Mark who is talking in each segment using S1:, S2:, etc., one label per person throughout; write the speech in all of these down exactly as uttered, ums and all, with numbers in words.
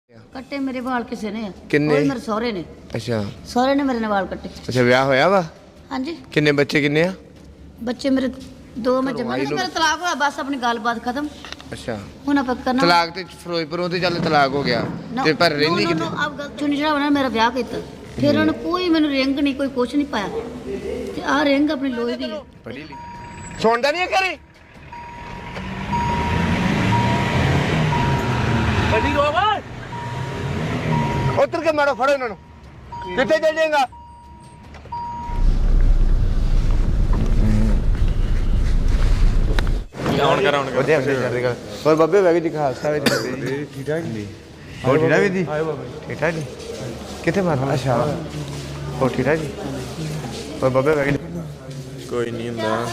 S1: ਕੱਟੇ ਮੇਰੇ ਵਾਲ ਕਿਸੇ ਨੇ
S2: ਕਿੰਨੇ?
S1: ਉਹ ਮੇਰੇ ਸਹੁਰੇ ਨੇ।
S2: ਅੱਛਾ
S1: ਸਹੁਰੇ ਨੇ ਮੇਰੇ ਨਾਲ ਵਾਲ ਕੱਟੇ।
S2: ਅੱਛਾ ਵਿਆਹ ਹੋਇਆ ਵਾ?
S1: ਹਾਂਜੀ
S2: ਕਿੰਨੇ ਬੱਚੇ ਕਿੰਨੇ ਆ?
S1: ਬੱਚੇ ਮੇਰੇ ਦੋ ਮੈਂ ਜੰਮੇ ਨੇ। ਮੇਰਾ ਤਲਾਕ ਹੋਇਆ ਬਸ ਆਪਣੀ ਗੱਲਬਾਤ ਖਤਮ।
S2: ਅੱਛਾ
S1: ਹੁਣ ਆਪਾਂ ਕਰਨਾ
S2: ਤਲਾਕ ਤੇ ਫਿਰੋਜ਼ਪੁਰੋਂ ਤੇ ਚੱਲ ਤਲਾਕ ਹੋ ਗਿਆ ਤੇ ਪਰ ਰਹਿੰਦੀ ਕਿੱਥੇ?
S1: ਆਪ ਗੱਲ ਚੁਣੀ ਜਿਹੜਾ ਉਹਨਾਂ ਨੇ ਮੇਰਾ ਵਿਆਹ ਕੀਤਾ ਫਿਰ ਉਹਨੇ ਕੋਈ ਮੈਨੂੰ ਰਿੰਗ ਨਹੀਂ ਕੋਈ ਕੁਛ ਨਹੀਂ ਪਾਇਆ ਤੇ ਆਹ ਰਿੰਗ ਆਪਣੀ ਲੋਹੇ ਦੀ
S2: ਪੜੀ ਲਈ ਸੁਣਦਾ ਨਹੀਂ ਕਰੇ
S3: ਵੱਡੀ ਹੋਵਾ
S2: ਉੱਤਰ ਕੇ ਮਾਰੋ ਫੜੋ ਇਹਨਾਂ ਨੂੰ ਕਿੱਥੇ ਚੱਲ ਜਾਏਗਾ?
S3: ਆਉਣ ਕਰ ਆਉਣ ਕਰ
S2: ਵਧੀਆ ਵਧੀਆ ਹੋਰ ਬੱਬੇ ਵੈਗ ਜੀ ਖਾਲਸਾ ਵਿੱਚ
S3: ਠੀਕ ਠਾਕ ਜੀ
S2: ਹੋਰ ਠੀਕ ਠਾਕ ਵੀਰ ਜੀ?
S3: ਆਏ ਬਾਬਾ
S2: ਠੀਕ ਠਾਕ ਜੀ ਕਿੱਥੇ ਮਾਰਨਾ? ਅੱਛਾ ਹੋਰ ਠੀਕ ਠਾਕ ਜੀ ਹੋਰ ਬੱਬੇ ਵੈਗ ਜੀ
S3: ਕੋਈ ਨਹੀਂ ਹੁੰਦਾ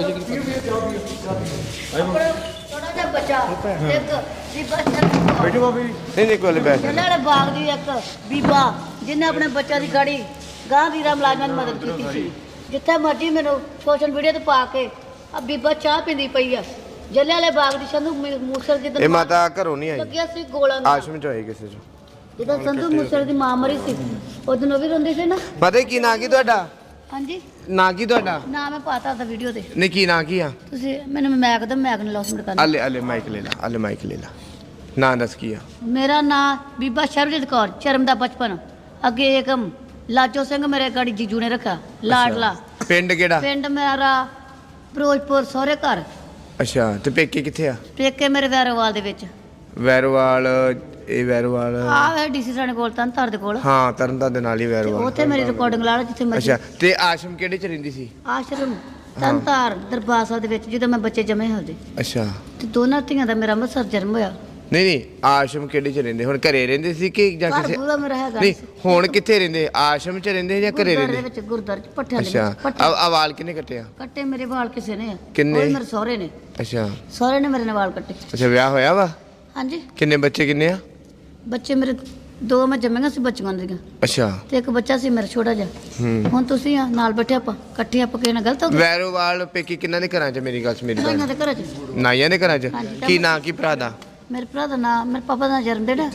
S1: ਥੋੜਾ ਜਿਹਾ ਬੱਚਾ ਇੱਕ ਬੀਬਾ ਚੱਲ
S3: ਬੈਠੋ ਬਾਬਾ ਜੀ
S2: ਨਹੀਂ ਨਹੀਂ ਕੋਲੇ ਬੈਠ
S1: ਚੱਲ ਵਾਲੇ ਬਾਗ ਦੀ ਇੱਕ ਬੀਬਾ ਜਿਹਨੇ ਆਪਣੇ ਬੱਚਿਆਂ ਦੀ ਗਾੜੀ ਗਾਂ ਵੀਰਾ ਮੁਲਾਜ਼ਮਾਂ ਦੀ ਮਦਦ ਕੀਤੀ ਸੀ ਜਿੱਥੇ ਮਰਜੀ ਮੈਨੂੰ ਸੋਸ਼ਲ ਮੀਡੀਆ ਤੇ ਪਾ ਕੇ ਆ ਬੀਬਾ ਚਾਹ ਪੀਂਦੀ ਪਈ ਆ ਜੱਲੇ ਵਾਲੇ ਬਾਗ ਦੀ ਸੰਧੂ ਮੂਸਲ ਜਿੱਦਾਂ
S2: ਇਹ ਮਾਤਾ ਘਰੋਂ ਨਹੀਂ ਆਈ
S1: ਲੱਗਿਆ ਸੀ ਗੋਲਾ ਨਾਲ
S2: ਆਸ਼ਰਮ ਚ ਹੋਈ ਕਿਸੇ ਚ
S1: ਜਿੱਦਾਂ ਸੰਧੂ ਮੂਸਲ ਦੀ ਮਾਂ ਮਰੀ ਸੀ ਉਦੋਂ ਉਹ ਵੀ ਰੋਂਦੀ ਸੀ ਨਾ।
S2: ਪਤਾ ਕੀ ਨਾਂ ਕੀ ਤੁਹਾਡਾ?
S1: ਹਾਂਜੀ
S2: ਨਾਂ ਕੀ ਤੁਹਾਡਾ?
S1: ਨਾ ਮੈਂ ਪਾਤਾ ਦਾ ਵੀਡੀਓ ਤੇ
S2: ਨਹੀਂ ਕੀ ਨਾਂ ਕੀ ਆ?
S1: ਤੁਸੀਂ ਮੈਨੂੰ ਮੈਕ ਦਾ ਮੈਕ ਨੇ ਲੌਸਮੈਂਟ ਕਰਨਾ।
S2: ਆਲੇ ਆਲੇ ਮਾਈਕ ਲੈ ਲਾ ਆਲੇ ਮਾਈਕ ਲੈ ਲਾ ਨਾਂ ਦੱਸ ਕੀ ਆ?
S1: ਮੇਰਾ ਨਾਂ ਬੀਬਾ ਸ਼ਰਬਜੀਤ ਕੌਰ ਚਰਮ ਦਾ ਬਚਪਨ ਅੱਗੇ ਏਕਮ ਲਾਜੋ ਸਿੰਘ ਮੇਰੇ ਗਾੜੀ ਜੀਜੂ ਨੇ ਰੱਖਿਆ ਲਾਡਲਾ।
S2: ਪਿੰਡ ਕਿਹੜਾ?
S1: ਪਿੰਡ ਮੇਰਾ ਫਿਰੋਜ਼ਪੁਰ ਸਹੁਰੇ ਘਰ।
S2: ਅੱਛਾ ਤੇ ਪੇਕੇ ਕਿੱਥੇ ਆ?
S1: ਪੇਕੇ ਮੇਰੇ ਵੈਰੋਵਾਲ ਦੇ ਵਿੱਚ।
S2: ਵੈਰੋਵਾਲ ਇਹ ਵੈਰੋਵਾਲ
S1: ਆਹ ਵੇ ਡੀਸੀ ਸਾਨੇ ਕੋਲ ਤਾਂ ਧਰ ਦੇ ਕੋਲ
S2: ਹਾਂ ਤਰਨਤਾਰਨ ਦੇ ਨਾਲ ਹੀ ਵੈਰੋਵਾਲ।
S1: ਉੱਥੇ ਮੇਰੀ ਰਿਕਾਰਡਿੰਗ ਲਾ ਲਓ ਜਿੱਥੇ ਮਰਜ਼ੀ।
S2: ਅੱਛਾ ਤੇ ਆਸ਼ਰਮ ਕਿਹੜੇ ਚ ਰਹਿੰਦੀ ਸੀ?
S1: ਆਸ਼ਰਮ ਤਨਤਾਰ ਦਰਬਾਰ ਸਾਹਿਬ ਦੇ ਵਿੱਚ ਜਦੋਂ ਮੈਂ ਬੱਚੇ ਜਮੇ ਹੋਦੇ
S2: ਅੱਛਾ
S1: ਤੇ ਦੋਨਾਂ ਧੀਆਂ ਦਾ ਮੇਰਾ ਅੰਮ੍ਰਿਤਸਰ ਜਨਮ ਹੋਇਆ।
S2: ਨਹੀਂ ਨਹੀਂ ਆਸ਼ਰਮ ਕਿਹੜੇ ਚ ਰਹਿੰਦੇ? ਹੁਣ ਘਰੇ ਰਹਿੰਦੇ ਸੀ ਕਿ ਜਾਂ
S1: ਘਰ
S2: ਕਿਸੇ?
S1: ਪੂਰਾ ਮੇਰਾ ਹੈਗਾ
S2: ਨਹੀਂ ਹੁਣ ਕਿੱਥੇ ਰਹਿੰਦੇ? ਆਸ਼ਰਮ ਚ ਰਹਿੰਦੇ ਜਾਂ ਘਰੇ
S1: ਗੁਰਦੁਆਰੇ ਦੇ
S2: ਰਹਿੰਦੇ?
S1: ਵਿੱਚ ਗੁਰਦੁਆਰੇ ਚ ਪੱਠਿਆਂ ਦੇ
S2: ਅੱਛਾ
S1: ਵਿੱਚ ਪੱਠੇ
S2: ਆ ਆ ਵਾਲ ਕਿੰਨੇ ਕੱਟਿਆ?
S1: ਕੱਟੇ ਮੇਰੇ ਵਾਲ ਕਿਸੇ ਨੇ
S2: ਕਿੰਨੇ?
S1: ਉਹ ਮੇਰੇ ਸਹੁਰੇ ਨੇ।
S2: ਅੱਛਾ
S1: ਸਹੁਰੇ ਨੇ ਮੇਰੇ ਨਾਲ ਵਾਲ ਕੱਟੇ।
S2: ਅੱਛਾ ਵਿਆਹ ਹੋਇਆ ਵਾ?
S1: ਹਾਂਜੀ
S2: ਕਿੰਨੇ ਬੱਚੇ ਕਿੰਨੇ ਆ?
S1: ਬੱਚੇ ਮੇਰੇ ਦੋ ਮੈਂ ਜੰਮੀਆਂ ਸੀ ਬੱਚੀਆਂ ਦੀਆਂ
S2: ਅੱਛਾ
S1: ਤੇ ਇੱਕ ਬੱਚਾ ਸੀ ਮੇਰਾ ਛੋਟਾ ਜਿਹਾ।
S2: ਹੂੰ
S1: ਹੁਣ ਤੁਸੀਂ ਆ ਨਾਲ ਬੈਠੇ ਆਪਾਂ ਇਕੱਠੇ ਆਪਾਂ ਕਿਸੇ ਨਾਲ ਗਲਤ ਹੋ ਗਏ?
S2: ਵੈਰੋਵਾਲ ਪੇਕੀ ਕਿੰਨਾਂ ਦੇ ਘਰਾਂ ਚ? ਮੇਰੀ ਗੱਲ ਸੁਣ ਮੇਰੀ
S1: ਨਾਈਆਂ
S2: ਗੱਲ
S1: ਦੇ ਘਰਾਂ 'ਚ।
S2: ਨਾਈਆਂ ਦੇ ਘਰਾਂ ਚ
S1: ਹਾਂਜੀ।
S2: ਕੀ ਨਾਂ ਕੀ ਭਰਾ ਦਾ?
S1: ਮੇਰੇ ਭਰਾ ਦਾ ਨਾਮ ਮੇਰੇ ਪਾਪਾ ਦਾ ਜਨਮ ਦਿਨ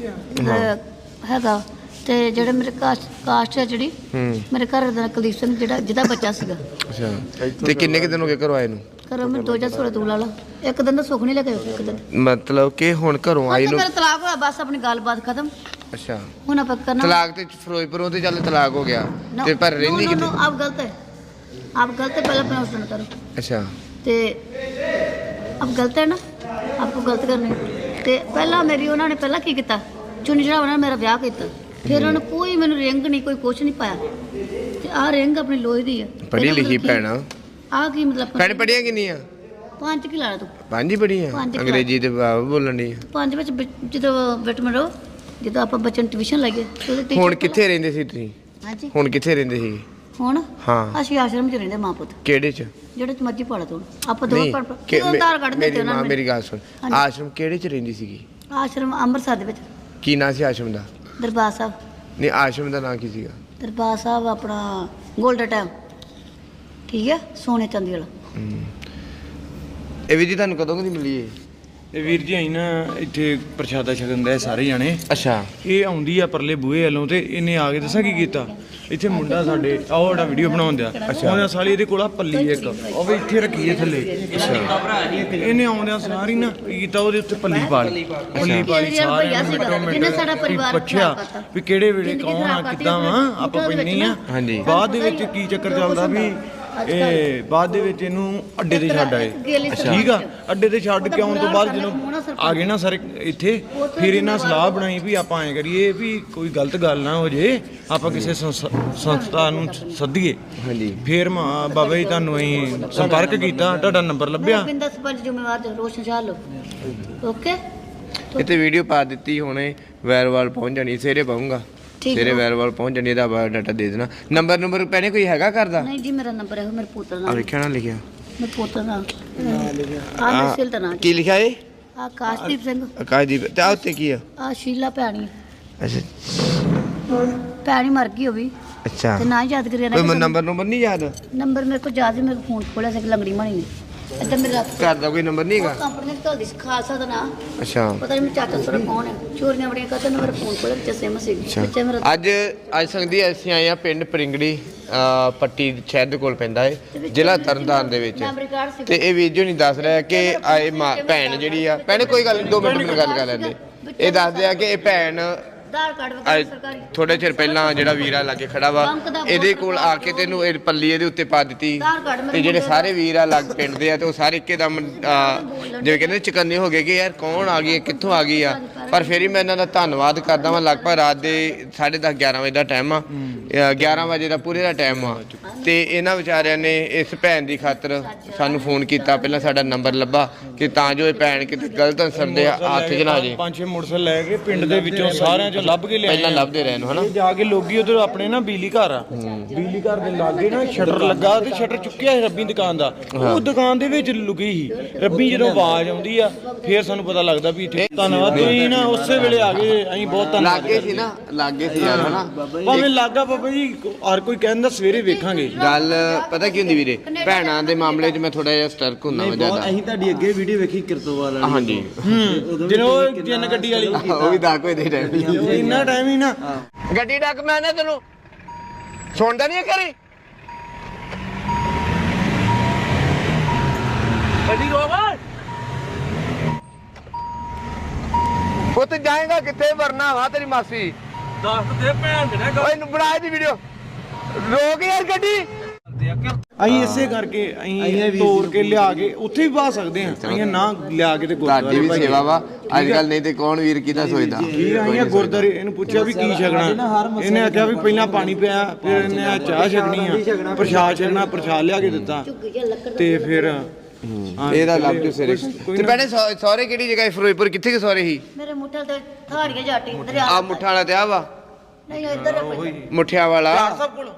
S1: ਹੈਗਾ ਤੇ ਜਿਹੜੇ ਮੇਰੇ ਕਾਸਟ ਕਾਸਟ ਹੈ ਜਿਹੜੀ
S2: ਹੂੰ
S1: ਮੇਰੇ ਘਰ ਦਾ ਕੁਲਦੀਪ ਸਿੰਘ ਜਿਹੜਾ ਜਿਹਦਾ ਬੱਚਾ ਸੀਗਾ।
S2: ਅੱਛਾ ਤੇ ਕਿੰਨੇ ਕਿ ਦਿਨ ਹੋ ਗਏ ਘਰੋਂ ਆਏ ਨੂੰ?
S1: ਘਰੋਂ ਮੈਂ ਦੋ ਹਜ਼ਾਰ ਸੋਲਾਂ ਤੋਂ ਲਾ ਲਾ ਇੱਕ ਦਿਨ ਦਾ ਸੁੱਖ ਨਹੀਂ ਲੱਗਿਆ ਇੱਕ ਦਿਨ।
S2: ਮਤਲਬ ਕਿ ਹੁਣ ਘਰੋਂ ਆਈ
S1: ਹੁਣ
S2: ਨੂੰ?
S1: ਮੇਰਾ ਤਲਾਕ ਹੋਇਆ ਬਸ ਆਪਣੀ ਗੱਲਬਾਤ ਖਤਮ।
S2: ਅੱਛਾ
S1: ਹੁਣ ਆਪਾਂ ਕਰਨਾ
S2: ਤਲਾਕ ਤੇ ਫਿਰੋਜ਼ਪੁਰੋਂ ਤੇ ਚੱਲ ਤਲਾਕ ਹੋ ਗਿਆ ਤੇ ਪਰ ਰਹਿੰਦੀ ਕਿੱਥੇ?
S1: ਆਪ ਗਲਤ ਹੈ ਆਪ गलत है पहले अपना उसने करो।
S2: अच्छा
S1: ते अब गलत है ना आपको गलत करने ते पहला मेरी उन्होंने पहला की किया चुनी चढ़ा उन्होंने मेरा ब्याह किया फिर उन्होंने कोई मैंने रिंग नहीं कोई कुछ नहीं पाया ते आ रिंग अपनी लोहे दी है
S2: पढ़ी लिखी भैन
S1: आ की मतलब
S2: भैन पढ़िया कि नहीं है
S1: पांच की ला तू
S2: पांच ही पढ़ी है
S1: पंज की
S2: अंग्रेजी ते बोलन दी
S1: पांच ਵਿੱਚ ਜਦੋਂ ਵਿਟਮਿਨ ਰੋ ਜਦੋਂ ਆਪਾਂ ਬੱਚਨ ਟਿਊਸ਼ਨ ਲਾਈਏ ਉਹਦੇ ਟੀਚਰ
S2: ਹੁਣ ਕਿੱਥੇ ਰਹਿੰਦੇ ਸੀ ਤੁਸੀਂ
S1: ਹਾਂਜੀ
S2: ਹੁਣ ਕਿੱਥੇ ਰਹਿੰਦੇ ਸੀ
S1: ਹੁਣ
S2: ਹਾਂ
S1: ਅਸੀਂ ਆਸ਼ਰਮ ਚ ਰਹਿੰਦੇ ਮਾਂ ਪੁੱਤ
S2: ਕਿਹੜੇ ਚ
S1: ਜਿਹੜੇ ਚ ਮਰਜੀ ਪੜਾ ਤੂੰ ਆਪਾਂ ਦੋ
S2: ਨਹੀਂ
S1: ਪੜ
S2: ਕਿ-
S1: ਉਤਾਰ ਕੱਢ
S2: ਮੇਰੀ
S1: ਦਿੱਤੇ ਉਹਨਾਂ
S2: ਮਾਂ
S1: ਨੇ
S2: ਮੇਰੀ ਗੱਲ ਸੁਣ
S1: ਹਾਂਜੀ।
S2: ਆਸ਼ਰਮ ਕਿਹੜੇ ਚ ਰਹਿੰਦੀ ਸੀਗੀ
S1: ਆਸ਼ਰਮ ਅੰਮ੍ਰਿਤਸਰ ਦੇ ਵਿੱਚ
S2: ਕੀ ਨਾਂ ਸੀ ਆਸ਼ਰਮ ਦਾ
S1: ਦਰਬਾਰ ਸਾਹਿਬ
S2: ਨਹੀਂ ਆਸ਼ਰਮ ਦਾ ਨਾਂ ਕੀ ਸੀਗਾ
S1: ਦਰਬਾਰ ਸਾਹਿਬ ਆਪਣਾ ਗੋਲਡਨ ਟਾਈਮ ਠੀਕ ਹੈ ਸੋਨੇ ਚਾਂਦੀ ਵਾਲਾ
S2: ਇਹ ਵੀ ਜੀ ਤੁਹਾਨੂੰ ਕਦੋਂ ਦੀ ਮਿਲੀ ਹੈ
S3: ਇਹ ਵੀਰ ਜੀ ਆਈ ਨਾ ਇੱਥੇ ਪ੍ਰਸ਼ਾਦਾ ਛਕਣ ਦੇ ਸਾਰੇ ਜਾਣੇ
S2: ਅੱਛਾ
S3: ਇਹ ਆਉਂਦੀ ਆ ਪਰਲੇ ਬੂਹੇ ਵੱਲੋਂ ਤੇ ਇਹਨੇ ਆ ਕੇ ਦੱਸਾਂ ਕੀ ਕੀਤਾ ਇੱਥੇ ਮੁੰਡਾ ਸਾਡੇ ਆਹ ਜਿਹੜਾ ਵੀਡੀਓ ਬਣਾਉਂਦਿਆ ਉਹਦਾ ਸਾਲੀ ਇਹਦੇ ਕੋਲ ਆ ਪੱਲੀ ਇੱਕ ਉਹ ਵੀ ਇੱਥੇ ਰੱਖੀ ਹੈ ਥੱਲੇ ਇਹਨੇ ਆਉਂਦਿਆਂ ਸਾਰੀ ਨਾ ਕੀ ਕੀਤਾ ਉਹਦੇ ਉੱਤੇ ਪੱਲੀ ਪਾ ਲਈ ਪੱਲੀ ਪਾ ਲਈ ਸਾਰਿਆਂ ਨੂੰ ਮਿੰਟੋ ਮਿੰਟ
S1: ਜਿਹਨੇ ਸਾਡਾ ਪਰਿਵਾਰ
S3: ਪੁੱਛਿਆ ਵੀ ਕਿਹੜੇ ਵੇਲੇ ਕੌਣ ਆ ਕਿੱਦਾਂ ਵਾ ਆਪਾਂ ਪੈਣੀ ਆ
S2: ਹਾਂਜੀ
S3: ਬਾਅਦ ਦੇ ਵਿੱਚ ਕੀ ਚੱਕਰ ਚੱਲਦਾ ਵੀ ਇਹ ਬਾਅਦ ਦੇ ਵਿੱਚ ਇਹਨੂੰ ਅੱਡੇ ਤੇ ਛੱਡ ਆਏ ਠੀਕ ਆ ਅੱਡੇ ਤੇ ਛੱਡ ਕੇ ਆਉਣ ਤੋਂ ਬਾਅਦ ਜਦੋਂ ਆ ਗਏ ਨਾ ਸਰ ਇੱਥੇ ਫਿਰ ਇਹਨਾਂ ਸਲਾਹ ਬਣਾਈ ਵੀ ਆਪਾਂ ਐਂ ਕਰੀਏ ਵੀ ਕੋਈ ਗਲਤ ਗੱਲ ਨਾ ਹੋ ਜੇ ਆਪਾਂ ਕਿਸੇ ਸੰਸਥਾ ਨੂੰ ਸੱਦੀਏ
S2: ਹਾਂਜੀ
S3: ਫਿਰ ਮਾਂ ਬਾਬਾ ਜੀ ਤੁਹਾਨੂੰ ਅਸੀਂ ਸੰਪਰਕ ਕੀਤਾ ਤੁਹਾਡਾ ਨੰਬਰ ਲੱਭਿਆ
S1: ਬਿੰਦਾ ਸਰਪੰਚ ਜ਼ਿੰਮੇਵਾਰ ਰੋਸ਼ਨ ਸ਼ਾਹ ਲੋ ਓਕੇ
S2: ਇੱਥੇ ਵੀਡੀਓ ਪਾ ਦਿੱਤੀ ਹੁਣੇ ਵੈਰਵਾਲ ਪਹੁੰਚ ਜਾਣੀ ਸਵੇਰੇ ਪਾਉਂਗਾ ਸਵੇਰੇ ਵੈਰਵਾਲ ਪਹੁੰਚ ਜਾਣੀ ਇਹਦਾ ਬਾਇਓਡਾਟਾ ਦੇ ਦੇਣਾ ਨੰਬਰ ਨੰਬਰ ਪਹਿਲੇ ਕੋਈ ਹੈਗਾ ਕਰਦਾ
S1: ਨਹੀਂ ਜੀ ਮੇਰਾ ਨੰਬਰ ਹੈ ਮੇਰੇ ਪੁੱਤਰ
S2: ਆ
S1: ਦਾ
S2: ਲਿਖਿਆ ਨਾ ਲਿਖਿਆ
S1: ਮੇਰੇ ਪੁੱਤਰ ਦਾ ਆ ਮਿਸਲ ਦਾ ਨਾਮ
S2: ਕੀ ਲਿਖਿਆ ਏ
S1: ਆ ਕਾਸ਼ਦੀਪ ਸਿੰਘ
S2: ਆਕਾਸ਼ਦੀਪ ਤੇ ਆ ਉੱਤੇ ਕੀ ਆ
S1: ਆ ਸ਼ੀਲਾ ਭੈਣੀ
S2: ਅੱਛਾ
S1: ਭੈਣੀ ਮਰ ਗਈ ਉਹ ਵੀ
S2: ਅੱਛਾ
S1: ਤੇ ਨਾ ਯਾਦ ਕਰਿਆ
S2: ਕੋਈ
S1: ਨਾ
S2: ਨੰਬਰ ਨੰਬਰ ਨਹੀਂ ਯਾਦ
S1: ਨੰਬਰ ਮੇਰੇ ਕੋਲ ਯਾਦ ਹੈ ਮੇਰੇ ਫੋਨ ਖੋਲਿਆ ਸੀ ਲੰਗੜੀ ਮਣੀ ਨੇ ਇੱਧਰ ਮੇਰਾ
S2: ਘਰ ਦਾ ਕੋਈ ਨੰਬਰ ਨਹੀਂ ਹੈਗਾ
S1: ਕੰਪਨੀ ਦੀ ਘਰ ਖਾਲਸਾ ਦਾ ਨਾਂ
S2: ਅੱਛਾ
S1: ਪਤਾ ਨਹੀਂ ਚਾਚਾ ਸੋਰਾ ਕੌਣ ਹੈ ਚੋਰੀਆਂ ਬੜੀਆਂ ਕਰਦੇ ਨੇ ਮੇਰੇ ਫੋਨ ਕੋਲ ਵਿੱਚ ਸਿਮ ਸੀ
S2: ਅੱਛਾ
S1: ਵਿੱਚ ਮੇਰਾ
S2: ਅੱਜ ਅੱਜ ਸੰਗਦੀ ਅਸੀਂ ਆਏ ਆ ਪਿੰਡ ਪਰਿੰਗੜੀ ਅਹ ਪੱਟੀ ਸ਼ਹਿਰ ਦੇ ਕੋਲ ਪੈਂਦਾ ਹੈ ਜ਼ਿਲ੍ਹਾ ਤਰਨਤਾਰਨ ਦੇ ਵਿੱਚ
S1: ਮੈਮਰੀ ਕਾਰਡ ਸੀ
S2: ਤੇ ਇਹ ਵੀਰ ਜੀ ਨਹੀਂ ਦੱਸ ਰਿਹਾ ਕਿ ਆਏ ਮਾਂ ਭੈਣ ਜਿਹੜੀ ਆ ਭੈਣੇ ਕੋਈ ਗੱਲ ਨਹੀਂ ਦੋ ਮਿੰਟ ਮੈਨੂੰ ਗੱਲ ਕਰ ਲੈਂਦੇ ਇਹ ਦੱਸਦੇ ਆ ਕਿ ਇਹ ਭੈਣ
S1: ਆਧਾਰ ਕਾਰਡ ਵਗੈਰਾ
S2: ਅੱਜ
S1: ਸਰਕਾਰੀ
S2: ਥੋੜੇ ਚਿਰ ਪਹਿਲਾਂ ਜਿਹੜਾ ਵੀਰਾ ਲਾਗੇ ਖੜਾ ਵਾ ਇਹਦੇ ਕੋਲ ਆ ਕੇ ਤੈਨੂੰ ਇਹ ਪੱਲੀ ਇਹਦੇ ਉੱਤੇ ਪਾ ਦਿੱਤੀ
S1: ਆਧਾਰ ਕਾਰਡ ਮੇਰੇ
S2: ਤੇ ਜਿਹੜੇ
S1: ਮੁੰਡੇ
S2: ਸਾਰੇ ਵੀਰ ਆ ਲੱਗ ਪਿੰਡ ਦੇ ਆ ਤੇ ਉਹ ਸਾਰੇ ਇੱਕਦਮ ਅਹ, ਜਿਵੇਂ ਕਹਿੰਦੇ ਚਕੰਨੇ ਹੋ ਗਏ ਕਿ ਯਾਰ ਕੌਣ ਆ ਗਈ ਹੈ, ਕਿੱਥੋਂ ਆ ਗਈ ਆ ਪਰ ਫਿਰ ਹੀ ਮੈਂ ਇਹਨਾਂ ਦਾ ਧੰਨਵਾਦ ਕਰਦਾ ਵਾਂ ਲਗਭਗ ਰਾਤ ਦੇ ਸਾਢੇ ਦਸ ਗਿਆਰਾਂ ਵਜੇ ਦਾ ਟਾਈਮ ਆ ਅਹ, ਗਿਆਰਾਂ ਵਜੇ ਦਾ ਪੂਰੇ ਦਾ ਟਾਈਮ ਆ ਤੇ ਇਹਨਾਂ ਵਿਚਾਰਿਆਂ ਨੇ ਇਸ ਭੈਣ ਦੀ ਖਾਤਰ ਸਾਨੂੰ ਫੋਨ ਕੀਤਾ ਪਹਿਲਾਂ ਸਾਡਾ ਨੰਬਰ ਲੱਭਾ ਕਿ ਤਾਂ ਜੋ ਇਹ ਭੈਣ ਕਿਤੇ ਗਲਤ ਅਨਸਰ ਦੇ ਹੱਥ 'ਚ ਨਾ ਆ ਜੇ
S3: ਪੰਜ ਛੇ ਮੋਟਰਸਾਈਕਲ ਲੈ ਕੇ ਪਿੰਡ ਦੇ ਵਿੱਚੋਂ ਸਾਰਿਆਂ ਚੋਂ ਲੱਭ ਕੇ ਲਿਆਏ
S2: ਪਹਿਲਾਂ ਲੱਭਦੇ ਰਹੇ ਨੂੰ ਹਨਾ
S3: ਇਹ ਜਾ ਕੇ ਲੋਕੀ ਉਧਰ ਆਪਣੇ ਨਾ ਬਿਜਲੀ ਘਰ ਆ ਬਿਜਲੀ ਘਰ ਦੇ ਲਾਗੇ ਨਾ ਸ਼ਟਰ ਲੱਗਾ ਤੇ ਸ਼ਟਰ ਚੁੱਕਿਆ ਸੀ ਰੱਬੀ ਦੁਕਾਨ ਦਾ ਉਹ ਦੁਕਾਨ ਦੇ ਵਿੱਚ ਲੁਕੀ ਸੀ ਰੱਬੀ ਜਦੋਂ ਆਵਾਜ਼ ਆਉਂਦੀ ਆ ਫੇਰ ਸਾਨੂੰ ਪਤਾ ਲੱਗਦਾ ਵੀ ਇੱਥੇ ਧੰਨਵਾਦ ਤੁਸੀਂ ਨਾ ਉਸੇ ਵੇਲੇ ਆ ਗਏ ਅਸੀਂ ਬਹੁਤ ਧੰਨਵਾਦ
S2: ਲਾਗੇ ਸੀ ਨਾ ਲਾਗੇ ਸੀ ਯਾਰ ਹਨਾ
S3: ਭਾਵੇਂ ਲੱਗਾ ਬਾਬਾ ਜੀ ਹਰ ਕੋਈ ਕਹਿੰਦਾ ਸਵੇਰੇ ਵੇਖਾਂਗੇ
S2: ਗੱਲ ਪਤਾ ਕੀ ਹੁੰਦੀ ਵੀਰੇ ਭੈਣਾਂ ਦੇ ਮਾਮਲੇ 'ਚ ਮੈਂ ਥੋੜਾ ਜਿਹਾ ਸਟਰਕ ਹੁੰਦਾ ਵਾ ਜ਼ਿਆਦਾ
S4: ਅਸੀਂ ਤੁਹਾਡੀ ਅੱਗੇ ਵੀਡੀਓ ਵੇਖੀ ਕਿਰਤੋਵਾਲ ਵਾਲੀ
S2: ਹਾਂਜੀ
S3: ਹੂੰ ਜਦੋਂ ਉਹ ਜਿੰਨ ਗੱਡੀ ਵਾਲੀ
S2: ਉਹ ਵੀ ਦਸ ਵਜੇ ਦੇ ਟਾਈਮ
S3: ਇੰਨਾ ਟਾਈਮ ਹੀ ਨਾ
S2: ਗੱਡੀ ਡੱਕ ਮੈਂ ਨਾ ਤੈਨੂੰ ਸੁਣਦਾ ਨਹੀਂ ਕਰੀ ਗੱਡੀ ਰੋਵਾ ਪੁੱਤ ਜਾਏਗਾ ਕਿੱਥੇ ਵਰਨਾ ਵਾ ਤੇਰੀ ਮਾਸੀ
S4: ਦੱਸ ਦੇ ਭੈਣ ਦੇ
S2: ਓਏ ਨੂੰ ਬਣਾ ਦੀ ਵੀਡੀਓ ਰੋਕ ਯਾਰ ਗੱਡੀ
S3: ਅਸੀਂ ਇਸੇ ਕਰਕੇ ਅਸੀਂ ਤੋੜ ਕੇ ਲਿਆ ਕੇ ਉੱਥੇ ਵੀ ਪਾ ਸਕਦੇ ਹਾਂ ਅਸੀਂ ਨਾ ਲਿਆ ਕੇ ਤੇ
S2: ਤੁਹਾਡੀ
S3: ਗੁਰਦੁਆਰੇ
S2: ਵੀ
S3: ਭਾਈ
S2: ਸੇਵਾ ਵਾ ਅੱਜ ਕੱਲ ਨਹੀਂ ਤੇ ਕੌਣ ਵੀਰ ਕਿਹਦਾ ਸੋਚਦਾ
S3: ਠੀਕ ਆ ਅਸੀਂ ਗੁਰਦੁਆਰੇ ਇਹਨੂੰ ਪੁੱਛਿਆ ਵੀ ਕੀ ਛਕਣਾ ਇਹਨੇ ਆਖਿਆ ਵੀ ਪਹਿਲਾਂ ਪਾਣੀ ਪਿਆ ਫਿਰ ਇਹਨੇ ਆ ਚਾਹ ਛਕਣੀ ਆ ਪ੍ਰਸ਼ਾਦ ਛਕਣਾ ਪ੍ਰਸ਼ਾਦ ਲਿਆ ਕੇ ਦਿੱਤਾ ਤੇ ਫਿਰ
S2: ਇਹਦਾ ਲੱਭ ਜੂ ਸਿਰੇ ਤੇ ਭੈਣੇ ਸਹੁ- ਸਹੁਰੇ ਕਿਹੜੀ ਜਗ੍ਹਾ ਹੈ ਫਿਰੋਜ਼ਪੁਰ ਕਿੱਥੇ ਕਿ ਸਹੁਰੇ ਸੀ
S1: ਮੇਰੇ ਮੁੱਠਲ ਤੇ ਥਾੜੀਆਂ ਜਾਟੀ ਦਰਿਆ
S2: ਆ ਮੁੱਠਾ ਵਾਲਾ ਤੇ ਆ ਵਾ
S1: ਨਹੀਂ ਇੱਧਰ ਹੈ ਕੋਈ।
S2: ਮੁੱਠਿਆ ਵਾਲਾ
S3: ਸਭ ਕੋਲ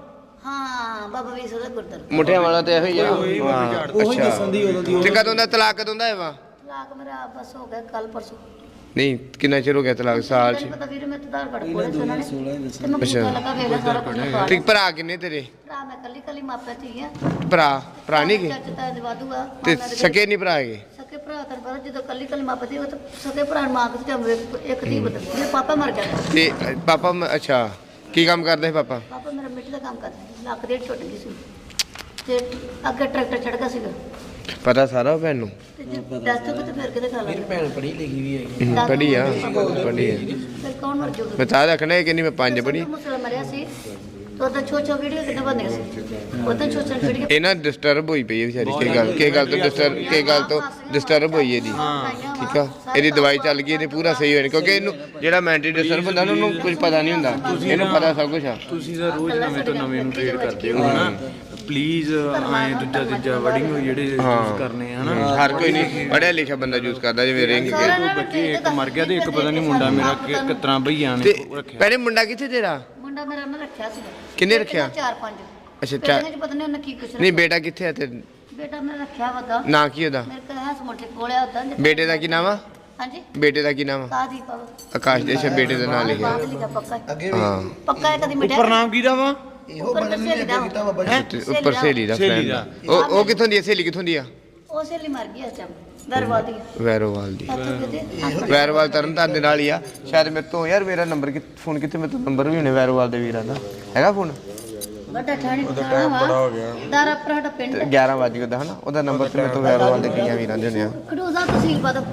S1: ਹਾਂ ਬਾਬਾ ਵੀ ਸਦਾ ਗੁਰਦਰ
S2: ਮੁੱਠਿਆ ਵਾਲਾ ਤੇ ਇਹੋ ਹੀ ਆ ਹਾਂ,
S4: ਉਹੀ ਦੱਸਣ ਦੀ ਉਦੋਂ ਦੀ
S2: ਤੇ ਕਦੋਂ ਦਾ ਤਲਾਕ ਕਦੋਂ ਦਾ ਹੈ ਵਾ
S1: ਤਲਾਕ ਮੇਰਾ ਬਸ ਹੋ ਗਿਆ ਕੱਲ ਪਰਸੋਂ
S2: ਨਹੀਂ ਕਿੰਨਾ ਚਿਰ ਹੋ ਗਿਆ ਤਲਾਕ ਸਾਲ ਚ
S1: ਤੈਨੂੰ ਪਤਾ ਵੀਰ ਮੈਂ ਤਦਾਰ ਕੱਢ ਕੋਲੇ ਸੀ ਉਹਨਾਂ ਨੇ ਤੇ ਮੈਂ ਪਤਾ ਲੱਗਾ ਵੇਲਾ ਸਾਰਾ ਕੁਝ ਪਾ
S2: ਠੀਕ ਭਰਾ ਕਿੰਨੇ ਤੇਰੇ
S1: ਭਰਾ ਮੈਂ ਕੱਲੀ ਕੱਲੀ ਮਾਪੇ ਧੀ ਆ
S2: ਭਰਾ ਭਰਾ ਨਹੀਂ ਗਏ
S1: ਚਾਚਾ ਤਾਏ ਦੇ ਵਾਧੂ ਆ
S2: ਤੇ ਸਕੇ ਨਹੀਂ ਭਰਾ ਹੈਗੇ
S1: ਸਕੇ ਭਰਾ ਤੈਨੂੰ ਪਤਾ ਜਦੋਂ ਕੱਲੀ ਕੱਲੀ ਮਾਪੇ ਧੀ ਉਹ ਤਾਂ ਸਕੇ ਭਰਾ ਨੂੰ ਮਾਂ ਕਿਸ ਟਾਈਮ ਇੱਕ ਧੀ ਬਦਲ ਮੇਰੇ ਪਾਪਾ ਮਰ ਗਿਆ
S2: ਤੇ ਅ, ਪਾਪਾ ਮ- ਅੱਛਾ ਕੀ ਕੰਮ ਕਰਦੇ ਸੀ ਪਾਪਾ
S1: ਪਾਪਾ ਮੇਰਾ ਮਿੱਟੀ ਦਾ ਕੰਮ ਕਰਦਾ ਸੀ ਲੱਕ ਦੇ ਛੁੱਟ ਗਈ ਸੀ ਤੇ ਅੱਗੇ ਟਰੈਕਟਰ ਚੜ ਗਿਆ ਸੀਗਾ
S2: ਪਤਾ ਸਾਰਾ ਭੈਣ ਨੂੰ
S1: ਤੇ ਜੇ ਦੱਸ ਤੋ ਤੇ ਫਿਰ ਕਿਤੇ ਖਾ ਲਾ
S4: ਭੈਣ ਪੜ੍ਹੀ ਲਿਖੀ ਵੀ ਹੈਗੀ
S2: ਹਮ, ਪੜ੍ਹੀ ਆ ਪੜ੍ਹੀ ਆ
S1: ਫਿਰ ਕੌਣ ਮਰ ਜਾਊਗਾ
S2: ਮੈਂ ਤਾਂ ਰੱਖਣਾ ਹੈ ਕਿ ਨਹੀਂ ਮੈਂ ਪੰਜ ਪੜ੍ਹੀ
S1: ਮੁਸਲਾ ਮਰਿਆ ਸੀ ਤੋ ਤਾਂ ਛੋ ਛੋ ਵੀਡੀਓ ਕਿੰਨੇ ਬਣੀਆਂ ਸੀ ਉਹ ਤਾਂ ਛੋ ਛੋ ਵੀਡੀਓ
S2: ਇਹ ਨਾ ਡਿਸਟਰਬ ਹੋਈ ਪਈ ਹੈ ਵਿਚਾਰੀ ਕੀ ਗੱਲ ਕੀ ਗੱਲ ਤੋਂ ਡਿਸਟਰਬ ਕੀ ਗੱਲ ਤੋਂ ਡਿਸਟਰਬ ਹੋਈ ਇਹਦੀ ਠੀਕ ਆ ਇਹਦੀ ਦਵਾਈ ਚੱਲ ਗਈ ਇਹਨੇ ਪੂਰਾ ਸਹੀ ਹੋਇਆ ਕਿਉਂਕਿ ਇਹਨੂੰ ਜਿਹੜਾ ਮੈਂਟਲੀ ਡਿਸਟਰਬ ਹੁੰਦਾ ਨਾ ਉਹਨੂੰ ਕੁਝ ਪਤਾ ਨਹੀਂ ਹੁੰਦਾ ਇਹਨੂੰ ਪਤਾ ਸਭ ਕੁਝ ਆ
S3: ਤੁਸੀਂ ਤਾਂ ਰੋਜ਼ ਨਵੇਂ ਤੋਂ ਨਵੇਂ ਨੂੰ ਟ੍ਰੇਡ ਕਰਦੇ ਹੋ ਹਨਾ ਪਲੀਜ਼ ਐ ਦੂਜਾ ਦੂਜਾ ਵਰਡਿੰਗ ਜਿਹੜੇ ਯੂਜ਼ ਕਰਨੇ ਆ ਹਨਾ
S2: ਹਰ ਕੋਈ ਨਹੀਂ ਪੜਿਆ ਲਿਖਿਆ ਬੰਦਾ ਯੂਜ਼ ਕਰਦਾ ਜਿਵੇਂ ਰਿੰਗ ਕੇ
S3: ਦੋ ਬੱਚੇ ਇੱਕ ਮਰ ਗਿਆ ਤੇ ਇੱਕ ਪਤਾ ਨਹੀਂ ਮੁੰਡਾ ਮੇਰਾ ਕਿ ਕਿਤਨਾ ਭਈਆਂ ਨੇ
S2: ਤੇ
S3: ਰੱਖਿਆ
S2: ਪਹਿਲੇ ਮੁੰਡਾ ਕਿੱਥੇ ਤੇਰਾ
S1: ਮੁੰਡਾ ਮੇਰਾ ਨਾ ਰੱਖਿਆ ਸੀ
S2: ਕਿੰਨੇ ਰੱਖਿਆ
S1: ਚਾਰ ਪੰਜ
S2: ਅੱਛਾ ਚਾਰ
S1: ਚ ਪਤਾ ਨਹੀਂ ਉਹਨੇ ਕੀ ਕੁਛ
S2: ਨਹੀਂ ਬੇਟਾ ਕਿੱਥੇ ਆ ਤੇ
S1: ਬੇਟਾ ਮੇਰਾ ਰੱਖਿਆ ਵਦਾ
S2: ਨਾਂ ਕੀ ਉਹਦਾ
S1: ਮੇਰੇ ਕੋਲ ਹੈ ਸਮੋਟੇ ਕੋਲੇ ਉਦਾਂ
S2: ਬੇਟੇ ਦਾ ਕੀ ਨਾਮ ਆ
S1: ਹਾਂਜੀ
S2: ਬੇਟੇ ਦਾ ਕੀ ਨਾਮ ਆ
S1: ਕਾਦੀ ਪਾਵ
S2: ਆਕਾਸ਼ ਦੇ ਅੱਛਾ ਬੇਟੇ ਦਾ ਨਾਮ ਲਿਖਿਆ
S1: ਲਿਖਿਆ ਪੱਕਾ
S2: ਹਾਂ
S1: ਪੱਕਾ ਹੈ ਕਦੀ ਮਿਟਿਆ
S3: ਉੱਪਰ ਨਾਮ ਕਿਹਦਾ ਵਾ
S4: ਇਹੋ ਬਦਲ ਨਹੀਂ ਲੱਗਾ ਕੀਤਾ ਬਾਬਾ ਜੀ
S2: ਤੇ ਉੱਪਰ ਸਹੇਲੀ ਦਾ
S3: ਸਹੇਲੀ
S2: ਫਰੈਂਡ
S3: ਦਾ।
S2: ਉਹ ਉਹ ਕਿੱਥੋਂ ਦੀ ਆ ਸਹੇਲੀ ਕਿੱਥੋਂ ਦੀ ਆ
S1: ਉਹ ਸੇਲੀ ਮਰ ਗਈ ਇਸ ਟਾਈਮ ਦਰਵਾਦੀ
S2: ਵੈਰੋਵਾਲ ਦੀ
S1: ਹੱਥ ਕਿਤੇ
S2: ਵੈਰੋਵਾਲ ਤਰਨਤਾਰਨ ਦੇ ਨਾਲ ਹੀ ਆ ਸ਼ਾਇਦ ਮੇਰੇ ਤੋਂ ਯਾਰ ਮੇਰਾ ਨੰਬਰ ਕਿ ਫੋਨ ਕਿੱਥੇ ਮੇਰੇ ਤੋਂ ਨੰਬਰ ਵੀ ਹੋਣੇ ਵੈਰੋਵਾਲ ਦੇ ਵੀਰਾਂ ਦਾ ਹੈਗਾ ਫੋਨ
S1: ਵੱਡਾ ਠਾਣੀ ਬੜਾ ਹੋ ਗਿਆ ਦਾਰਾ ਪਰਾਡਾ ਪਿੰਡ
S2: ਗਿਆਰਾਂ ਵਜੇ ਉਹਦਾ ਹਨਾ ਉਹਦਾ ਨੰਬਰ ਤੇ ਮੇਰੇ ਤੋਂ ਵੈਰੋਵਾਲ ਦੇ ਕਈਆਂ ਵੀਰਾਂ ਦੇ ਹੋਣੇ ਆ
S1: ਖਡੂਸਾ ਤਹਿਸੀਲ ਪਦ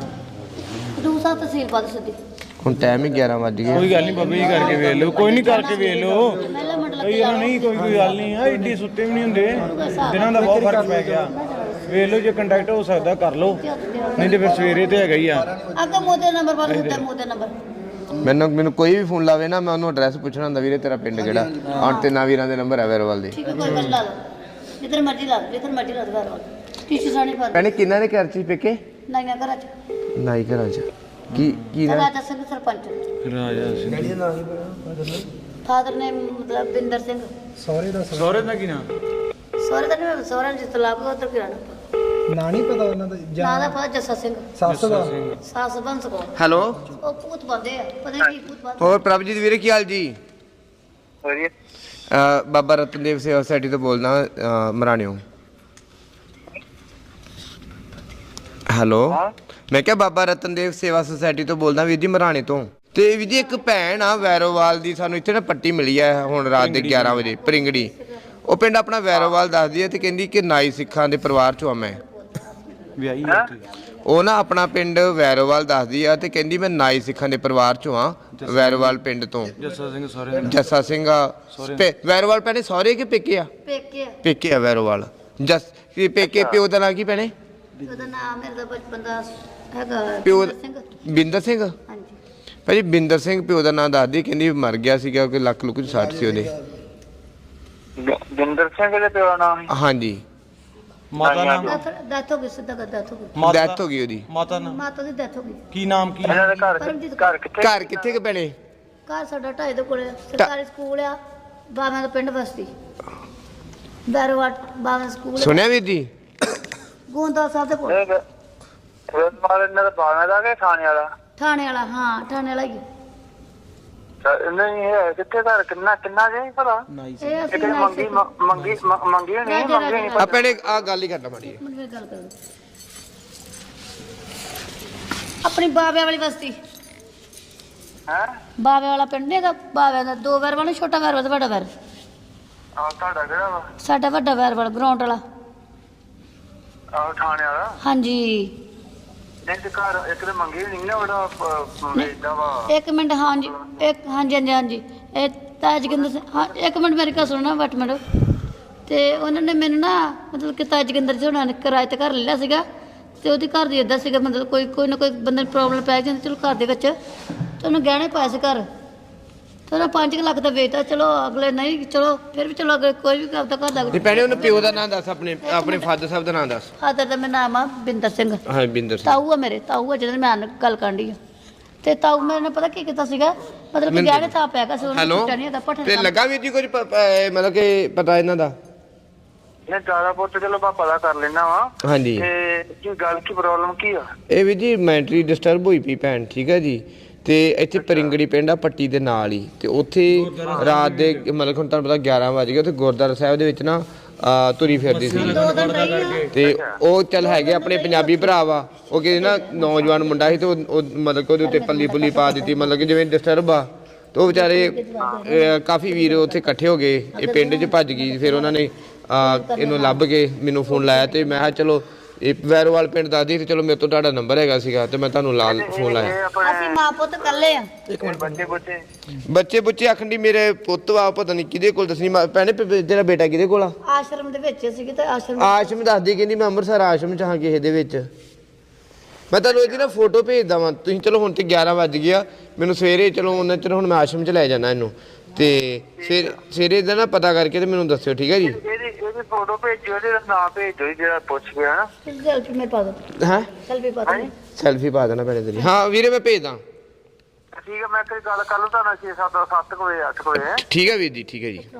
S1: ਖਡੂਸਾ ਤਹਿਸੀਲ ਪਦ ਸਿੱਧੀ
S2: ਹੁਣ ਟਾਈਮ ਹੀ ਗਿਆਰਾਂ ਵੱਜ ਗਏ
S3: ਕੋਈ ਗੱਲ ਨਹੀਂ ਬਾਬਾ ਜੀ ਕਰਕੇ ਵੇਖ ਲਓ ਕੋਈ ਨਹੀਂ ਕਰਕੇ ਵੇਖ ਲਓ
S1: ਪਹਿਲਾ ਮੰਡਲ
S3: ਕਈ ਵਾਰ ਨਹੀਂ ਕੋਈ ਕੋਈ ਗੱਲ ਨਹੀਂ ਆ ਏਡੀ ਸੁੱਤੇ ਵੀ ਨਹੀਂ ਹੁੰਦੇ ਦਿਨਾਂ ਦਾ ਬਹੁਤ ਫਰਕ ਪੈ ਗਿਆ ਵੇਖ ਲਓ ਜੇ ਕੰਟੈਕਟ ਹੋ ਸਕਦਾ ਕਰ ਲਓ ਨਹੀਂ ਤੇ ਫਿਰ ਸਵੇਰੇ ਤੇ ਹੈਗਾ ਹੀ ਆ
S1: ਅੱਗੇ ਮੋਦੇ ਨੰਬਰ ਪਰ ਹੁੰਦਾ ਮੋਦੇ ਨੰਬਰ
S2: ਮੈਨੂੰ ਮੈਨੂੰ ਕੋਈ ਵੀ ਫੋਨ ਲਾਵੇ ਨਾ ਮੈਂ ਉਹਨੂੰ ਐਡਰੈਸ ਪੁੱਛਣਾ ਹੁੰਦਾ ਵੀਰੇ ਤੇਰਾ ਪਿੰਡ ਕਿਹੜਾ ਆਣ ਤੇ ਨਾ ਵੀਰਾਂ ਦੇ ਨੰਬਰ ਹੈ ਵੈਰੋਵਾਲ ਦੇ
S1: ਠੀਕ ਹੈ ਕੋਈ ਗੱਲ ਲਾ ਲਓ ਜਿੱਧਰ ਮਰਜ਼ੀ ਲਾ ਲਓ ਜਿੱਧਰ ਮਰਜ਼ੀ ਲਾ ਦੋ ਘਰ ਟੀਚੀ ਸਾਣੀ ਪਰ
S2: ਭੈਣੇ ਕਿੰਨਾ ਦੇ ਘਰ ਚ ਪੇਕੇ
S1: ਨਾਈਆਂ ਘਰਾਂ ਚ
S2: ਨਾਈ ਘਰਾਂ ਚ ਕੀ ਕੀ ਨਾ
S1: ਰਾਜਾ ਸਿੰਘ ਸਰਪੰਚ
S3: ਰਾਜਾ ਸਿੰਘ
S4: ਡੈਡੀ ਦਾ ਨਾਮ ਹੀ ਬੜਾ
S1: ਫਾਦਰ ਨੇ ਮਤਲਬ ਬਿੰਦਰ ਸਿੰਘ
S4: ਸਹੁਰੇ ਦਾ
S3: ਸਹੁਰੇ ਦਾ ਕੀ ਨਾਮ
S1: ਸਹੁਰੇ ਦਾ ਨਹੀਂ ਸਹੁਰਾ ਜਿਸ ਤਲਾਕ ਉਧਰ ਕਿਰਾਣਾ
S4: ਨਾਂ ਨਹੀਂ ਪਤਾ ਉਹਨਾਂ ਦਾ
S1: ਨਾਂ ਦਾ ਫਾਦਰ ਜੱਸਾ ਸਿੰਘ
S4: ਸੱਸ ਦਾ
S1: ਸਾਸ ਬੰਸ ਕੋ
S2: ਹੈਲੋ
S1: ਉਹ ਪੂਤ ਬੰਦੇ ਆ ਪਤਾ ਨਹੀਂ ਕੀ ਪੂਤ ਬੰਦੇ
S2: ਹੋਰ ਪ੍ਰਭਜੀਤ ਵੀਰੇ ਕੀ ਹਾਲ ਜੀ
S5: ਵਧੀਆ
S2: ਅ, ਬਾਬਾ ਰਤਨਦੇਵ ਸੇਵਾ ਸੁਸਾਇਟੀ ਤੋਂ ਬੋਲਦਾ ਅ, ਮਰਾਣਿਓ ਹੈਲੋ ਮੈਂ ਕਿਹਾ ਬਾਬਾ ਰਤਨਦੇਵ ਸੇਵਾ ਸੁਸਾਇਟੀ ਤੋਂ ਬੋਲਦਾ ਵੀਰ ਜੀ ਮਰਾਣੇ ਤੋਂ। ਤੇ ਵੀਰ ਜੀ ਇੱਕ ਭੈਣ ਆ ਵੈਰੋਵਾਲ ਦੀ, ਸਾਨੂੰ ਇੱਥੇ ਨਾ ਪੱਟੀ ਮਿਲੀ ਆ ਹੁਣ ਰਾਤ ਦੇ ਗਿਆਰਾਂ ਵਜੇ ਪਰਿੰਗੜੀ। ਉਹ ਪਿੰਡ ਆਪਣਾ ਵੈਰੋਵਾਲ ਦੱਸਦੀ ਹੈ ਤੇ ਕਹਿੰਦੀ ਕਿ ਨਾਈ ਸਿੱਖਾਂ ਦੇ ਪਰਿਵਾਰ ਚੋਂ ਆ ਮੈਂ।
S3: ਵਿਆਹੀ
S2: ਉਹ ਨਾ ਆਪਣਾ ਪਿੰਡ ਵੈਰੋਵਾਲ ਦੱਸਦੀ ਆ ਤੇ ਕਹਿੰਦੀ ਮੈਂ ਨਾਈ ਸਿੱਖਾਂ ਦੇ ਪਰਿਵਾਰ ਚੋਂ ਆ, ਵੈਰੋਵਾਲ ਪਿੰਡ ਤੋਂ।
S3: ਜੱਸਾ ਸਿੰਘ ਸਹੁਰੇ
S2: ਜੱਸਾ ਸਿੰਘ ਆ ਵੈਰੋਵਾਲ ਭੈਣੇ ਸਹੁਰੇ ਕਿ ਪੇਕੇ ਆ?
S1: ਪੇਕੇ ਆ।
S2: ਪੇਕੇ ਆ ਵੈਰੋਵਾਲ। ਜਸ ਕੀ ਪੇਕੇ ਪਿਓ ਦਾ ਨਾਂ ਕੀ ਭੈਣੇ?
S1: ਉਹਦਾ ਨਾਮ ਮੇਰੇ ਦਾ ਬਚਪਨ ਦਾ ਹੈਗਾ
S2: ਪਿਓ
S1: ਬਿੰਦਰ ਸਿੰਘ।
S2: ਬਿੰਦਰ ਸਿੰਘ।
S1: ਹਾਂਜੀ
S2: ਭਾਜੀ ਬਿੰਦਰ ਸਿੰਘ ਪਿਓ ਦਾ ਨਾਂ ਦੱਸਦੀ, ਕਹਿੰਦੀ ਮਰ ਗਿਆ ਸੀਗਾ ਕਿ ਲੱਕ ਲੁੱਕ ਚ ਸੱਟ ਸੀ ਉਹਦੇ।
S5: ਬਿੰਦਰ ਸਿੰਘ ਦੇ ਪਿਓ ਦਾ ਨਾਮ
S2: ਹਾਂਜੀ
S3: ਮਾਤਾ ਨਾਮ
S1: ਡੈਥ ਹੋ ਗਈ, ਸਿੱਧਾ ਕਰ ਡੈਥ ਹੋ ਗਈ।
S2: ਡੈਥ ਹੋ ਗਈ ਉਹਦੀ।
S3: ਮਾਤਾ ਨਾਮ
S1: ਮਾਤਾ ਦੀ ਡੈਥ ਹੋ ਗਈ।
S3: ਕੀ ਨਾਮ ਕੀ?
S5: ਇਹਨਾਂ ਦੇ ਘਰ
S1: ਪਰਮਜੀਤ
S5: ਘਰ ਕਿੱਥੇ?
S2: ਘਰ ਕਿੱਥੇ ਕਿ ਭੈਣੇ?
S1: ਘਰ ਸਾਡਾ ਢਾਈ ਦੇ ਕੋਲੇ ਸਰਕਾਰੀ ਸਕੂਲ ਆ, ਬਾਵਾਂ ਦਾ ਪਿੰਡ ਬਸਤੀ ਬੈਰਵਾਟ ਬਾਵਾਂ ਸਕੂਲ
S2: ਸੁਣਿਆ ਵੀਰ ਜੀ?
S1: ਗੋਂਦਾ ਸਾਹਿਬ ਦੇ ਕੋਲ।
S5: ਇਹ ਰੋਜ਼ ਮਾਰ ਇਹਨਾਂ ਦਾ ਬਾਣਾ ਦਾ ਕਿ ਥਾਣੇ ਵਾਲਾ?
S1: ਥਾਣੇ ਵਾਲਾ, ਹਾਂ ਥਾਣੇ ਵਾਲਾ ਹੀ।
S5: ਨਹੀਂ ਇਹ ਕਿੱਥੇ ਘਰ ਕਿੰਨਾ ਕਿੰਨਾ ਜੇ ਭਲਾ
S1: ਇਹ ਅਸੀਂ
S5: ਕਿਤੇ ਮੰਗੀ ਮ- ਮੰਗੀ ਮ- ਮੰਗੀ ਨਹੀਂ ਮੰਗੀ ਨਹੀਂ
S2: ਆ ਭੈਣੇ ਆ ਗੱਲ ਹੀ ਕਰਨਾ ਮਾੜੀ
S1: ਮੈਨੂੰ ਗੱਲ ਕਰੋ। ਆਪਣੀ ਬਾਬਿਆਂ ਵਾਲੀ ਬਸਤੀ,
S5: ਹੈ
S1: ਬਾਬਿਆਂ ਵਾਲਾ ਪਿੰਡ ਨਹੀਂ ਹੈਗਾ? ਬਾਬਿਆਂ ਦਾ ਦੋ ਵਾਰ ਵਾਲਾ, ਛੋਟਾ ਵਾਰ ਵਾਲਾ, ਵੱਡਾ ਵਾਰ।
S5: ਆ ਤੁਹਾਡਾ ਕਿਹੜਾ ਵਾ?
S1: ਸਾਡਾ ਵੱਡਾ ਵਾਰ ਵਾਲਾ ਗਰਾਊਂਡ ਵਾਲਾ।
S5: ਆ ਥਾਣੇ ਵਾਲਾ?
S1: ਹਾਂਜੀ
S5: ਨਹੀਂ ਤੇ ਘਰ ਇੱਕ ਤੇ ਮੰਗੀ ਨਹੀਂ ਨਾ ਉਹਦਾ ਵੇਚਦਾ ਵਾ।
S1: ਇੱਕ ਮਿੰਟ। ਹਾਂਜੀ ਇੱਕ ਹਾਂਜੀ ਹਾਂਜੀ ਹਾਂਜੀ ਇਹ ਤਾਜ ਜੋਗਿੰਦਰ ਸਿੰਘ। ਹਾਂ ਇੱਕ ਮਿੰਟ ਮੇਰੀ ਗੱਲ ਸੁਣਨਾ ਵੱਟ ਮਿੰਟ। ਤੇ ਉਹਨਾਂ ਨੇ ਮੈਨੂੰ ਨਾ ਮਤਲਬ ਕਿ ਤਾਜ ਜੋਗਿੰਦਰ ਜੀ ਉਹਨਾਂ ਨੇ ਕਿਰਾਏ ਤੇ ਘਰ ਲੈ ਲਿਆ ਸੀਗਾ ਤੇ ਉਹਦੇ ਘਰ ਦੀ ਇੱਦਾਂ ਸੀਗਾ ਮਤਲਬ ਕੋਈ ਕੋਈ ਨਾ ਕੋਈ ਬੰਦੇ ਨੂੰ ਪ੍ਰੋਬਲਮ ਪੈ ਜਾਂਦੀ ਚਲੋ ਘਰ ਦੇ ਵਿੱਚ ਤੇ ਉਹਨੂੰ ਗਹਿਣੇ ਪਾਏ ਸੀ ਘਰ ਤੇ ਉਹਨਾਂ ਪੰਜ ਕੁ ਲੱਖ ਦਾ ਵੇਚਤਾ। ਚਲੋ ਅਗਲੇ ਨਹੀਂ ਚਲੋ ਫਿਰ ਵੀ ਚਲੋ ਅਗਲੇ ਕੋਈ ਵੀ ਆਪਦਾ ਘਰ ਦਾ।
S2: ਨਹੀਂ ਭੈਣੇ ਉਹਨੂੰ ਪਿਓ ਦਾ ਨਾਂ ਦੱਸ, ਆਪਣੇ ਆਪਣੇ ਫਾਦਰ ਸਾਹਿਬ ਦਾ ਨਾਂ ਦੱਸ।
S1: ਫਾਦਰ ਦਾ ਮੇਰਾ ਨਾਮ ਆ ਬਿੰਦਰ ਸਿੰਘ।
S2: ਹਾਂ ਬਿੰਦਰ ਸਿੰਘ।
S1: ਤਾਊ ਆ ਮੇਰੇ, ਤਾਊ ਆ ਜਿਹਨਾਂ ਦੀ ਮੈਂ ਗੱਲ ਕਰਨ ਡਈ ਆ। ਤੇ ਤਾਊ ਮੇਰੇ ਨੇ ਪਤਾ ਕੀ ਕੀਤਾ ਸੀਗਾ ਮਤਲਬ ਕਿ ਗਹਿਣੇ ਤਾਂ ਪੈ ਗਿਆ ਸੀ ਉਹਨੂੰ
S2: ਹੈਲੋ
S1: ਛੁੱਟਿਆ ਨਹੀਂ ਹੈਗਾ ਪੱਠੇ
S2: ਤੇ ਲੱਗਾ ਵੀਰ ਜੀ ਕੁਝ ਪ- ਪ- ਮਤਲਬ ਕਿ ਪਤਾ ਇਹਨਾਂ ਦਾ?
S5: ਇਹ ਜ਼ਿਆਦਾ ਪੁੱਤ ਚਲੋ ਮੈਂ ਪਤਾ ਕਰ ਲੈਣਾ ਵਾ।
S2: ਹਾਂਜੀ
S5: ਤੇ ਕੀ ਗੱਲ ਕੀ ਪ੍ਰੋਬਲਮ ਕੀ ਆ?
S2: ਇਹ ਵੀ ਜੀ ਮੈਂਟਰੀ ਡਿਸਟਰਬ ਹੋਈ ਪਈ ਭੈਣ, ਠੀਕ ਹੈ ਜੀ। ਤੇ ਇੱਥੇ ਪਰਿੰਗੜੀ ਪਿੰਡ ਆ ਪੱਟੀ ਦੇ ਨਾਲ ਹੀ, ਤੇ ਉੱਥੇ ਰਾਤ ਦੇ ਮਤਲਬ ਹੁਣ ਤੁਹਾਨੂੰ ਪਤਾ ਗਿਆਰਾਂ ਵਜ ਗਏ, ਉੱਥੇ ਗੁਰਦੁਆਰਾ ਸਾਹਿਬ ਦੇ ਵਿੱਚ ਨਾ ਅਹ ਤੁਰੀ ਫਿਰਦੀ ਸੀ।
S1: ਦੋ ਦਿਨ ਰਹੀ ਆ।
S2: ਤੇ ਉਹ ਚੱਲ ਹੈਗੇ ਆਪਣੇ ਪੰਜਾਬੀ ਭਰਾ ਵਾ, ਉਹ ਕਹਿੰਦੇ ਨਾ ਨੌਜਵਾਨ ਮੁੰਡਾ ਸੀ ਤੇ ਉਹ ਉਹ ਮਤਲਬ ਕਿ ਉਹਦੇ ਉੱਤੇ ਪੱਲੀ ਪੁੱਲੀ ਪਾ ਦਿੱਤੀ, ਮਤਲਬ ਕਿ ਜਿਵੇਂ ਡਿਸਟਰਬ ਆ। ਤੇ ਉਹ ਵਿਚਾਰੇ ਅਹ ਕਾਫੀ ਵੀਰ ਉੱਥੇ ਇਕੱਠੇ ਹੋ ਗਏ, ਇਹ ਪਿੰਡ 'ਚ ਭੱਜ ਗਈ। ਫਿਰ ਉਹਨਾਂ ਨੇ ਅਹ ਇਹਨੂੰ ਲੱਭ ਕੇ ਮੈਨੂੰ ਫੋਨ ਲਾਇਆ ਤੇ ਮੈਂ ਕਿਹਾ ਚਲੋ ਇਹ ਵੈਰੋਵਾਲ ਪਿੰਡ ਦੱਸਦੀ ਤੇ ਚਲੋ ਮੇਰੇ ਤੋਂ ਤੁਹਾਡਾ ਨੰਬਰ ਹੈਗਾ ਸੀਗਾ ਤੇ ਮੈਂ ਤੁਹਾਨੂੰ ਲਾ ਫੋਨ ਲਾਇਆ।
S5: ਇਹ ਆਪਣੇ
S1: ਅਸੀਂ ਮਾਂ ਪੁੱਤ ਇਕੱਲੇ ਆ।
S5: ਬੱਚੇ ਬੱਚੇ
S2: ਬੱਚੇ ਬੁੱਚੇ ਆਖਣ ਦੀ ਮੇਰੇ ਪੁੱਤ ਵਾ, ਪਤਾ ਨਹੀਂ ਕਿਹਦੇ ਕੋਲ ਦੱਸਣੀ ਭੈਣੇ, ਤੇਰਾ ਬੇਟਾ ਕਿਹਦੇ ਕੋਲ ਆ?
S1: ਆਸ਼ਰਮ ਦੇ ਵਿੱਚ ਸੀਗੇ ਤੇ ਆਸ਼ਰਮ
S2: ਆਸ਼ਰਮ ਦੱਸਦੀ, ਕਹਿੰਦੀ ਮੈਂ ਅੰਮ੍ਰਿਤਸਰ ਆਸ਼ਰਮ ਚ ਹਾਂ ਕਿਸੇ ਦੇ ਵਿੱਚ। ਮੈਂ ਤੁਹਾਨੂੰ ਇਹਦੀ ਨਾ ਫੋਟੋ ਭੇਜਦਾ ਵਾਂ, ਤੁਸੀਂ ਚਲੋ ਹੁਣ ਤੇ ਗਿਆਰਾਂ ਵੱਜ ਗਿਆ, ਮੈਨੂੰ ਸਵੇਰੇ ਚਲੋ ਉਹਨਾਂ ਚਿਰ ਹੁਣ ਮੈਂ ਆਸ਼ਰਮ ਚ ਲੈ ਜਾਣਾ ਇਹਨੂੰ, ਤੇ ਫਿਰ ਸਵੇਰੇ ਇਹਦਾ ਨਾ ਪਤਾ ਕਰਕੇ ਤੇ ਮੈਨੂੰ ਦੱਸਿਓ, ਠੀਕ ਹੈ ਜੀ?
S5: ਇਹਦੀ ਇਹਦੀ ਫੋਟੋ ਭੇਜੋ, ਇਹਦਾ ਨਾਮ ਭੇਜੋ ਜਿਹੜਾ ਪੁੱਛ ਗਿਆ ਨਾ।
S1: ਸੈਲਫੀ ਮੈਂ ਪਾ ਦੋ।
S2: ਹਾਂ
S1: ਸੈਲਫੀ ਪਾ ਦੋ।
S2: ਸੈਲਫੀ ਪਾ ਦੇਣਾ ਭੈਣੇ ਤੇਰੀ। ਹਾਂ ਵੀਰੇ ਮੈਂ ਭੇਜਦਾ।
S5: ਠੀਕ ਹੈ ਮੈਂ ਕੋਈ ਗੱਲ ਕਰ ਲੂ ਤੁਹਾਨੂੰ ਛੇ ਸੱਤ ਸੱਤ ਕੁ ਵਜੇ ਅੱਠ ਕੁ ਵਜੇ।
S2: ਠੀਕ ਹੈ ਵੀਰ ਜੀ, ਠੀਕ ਹੈ ਜੀ।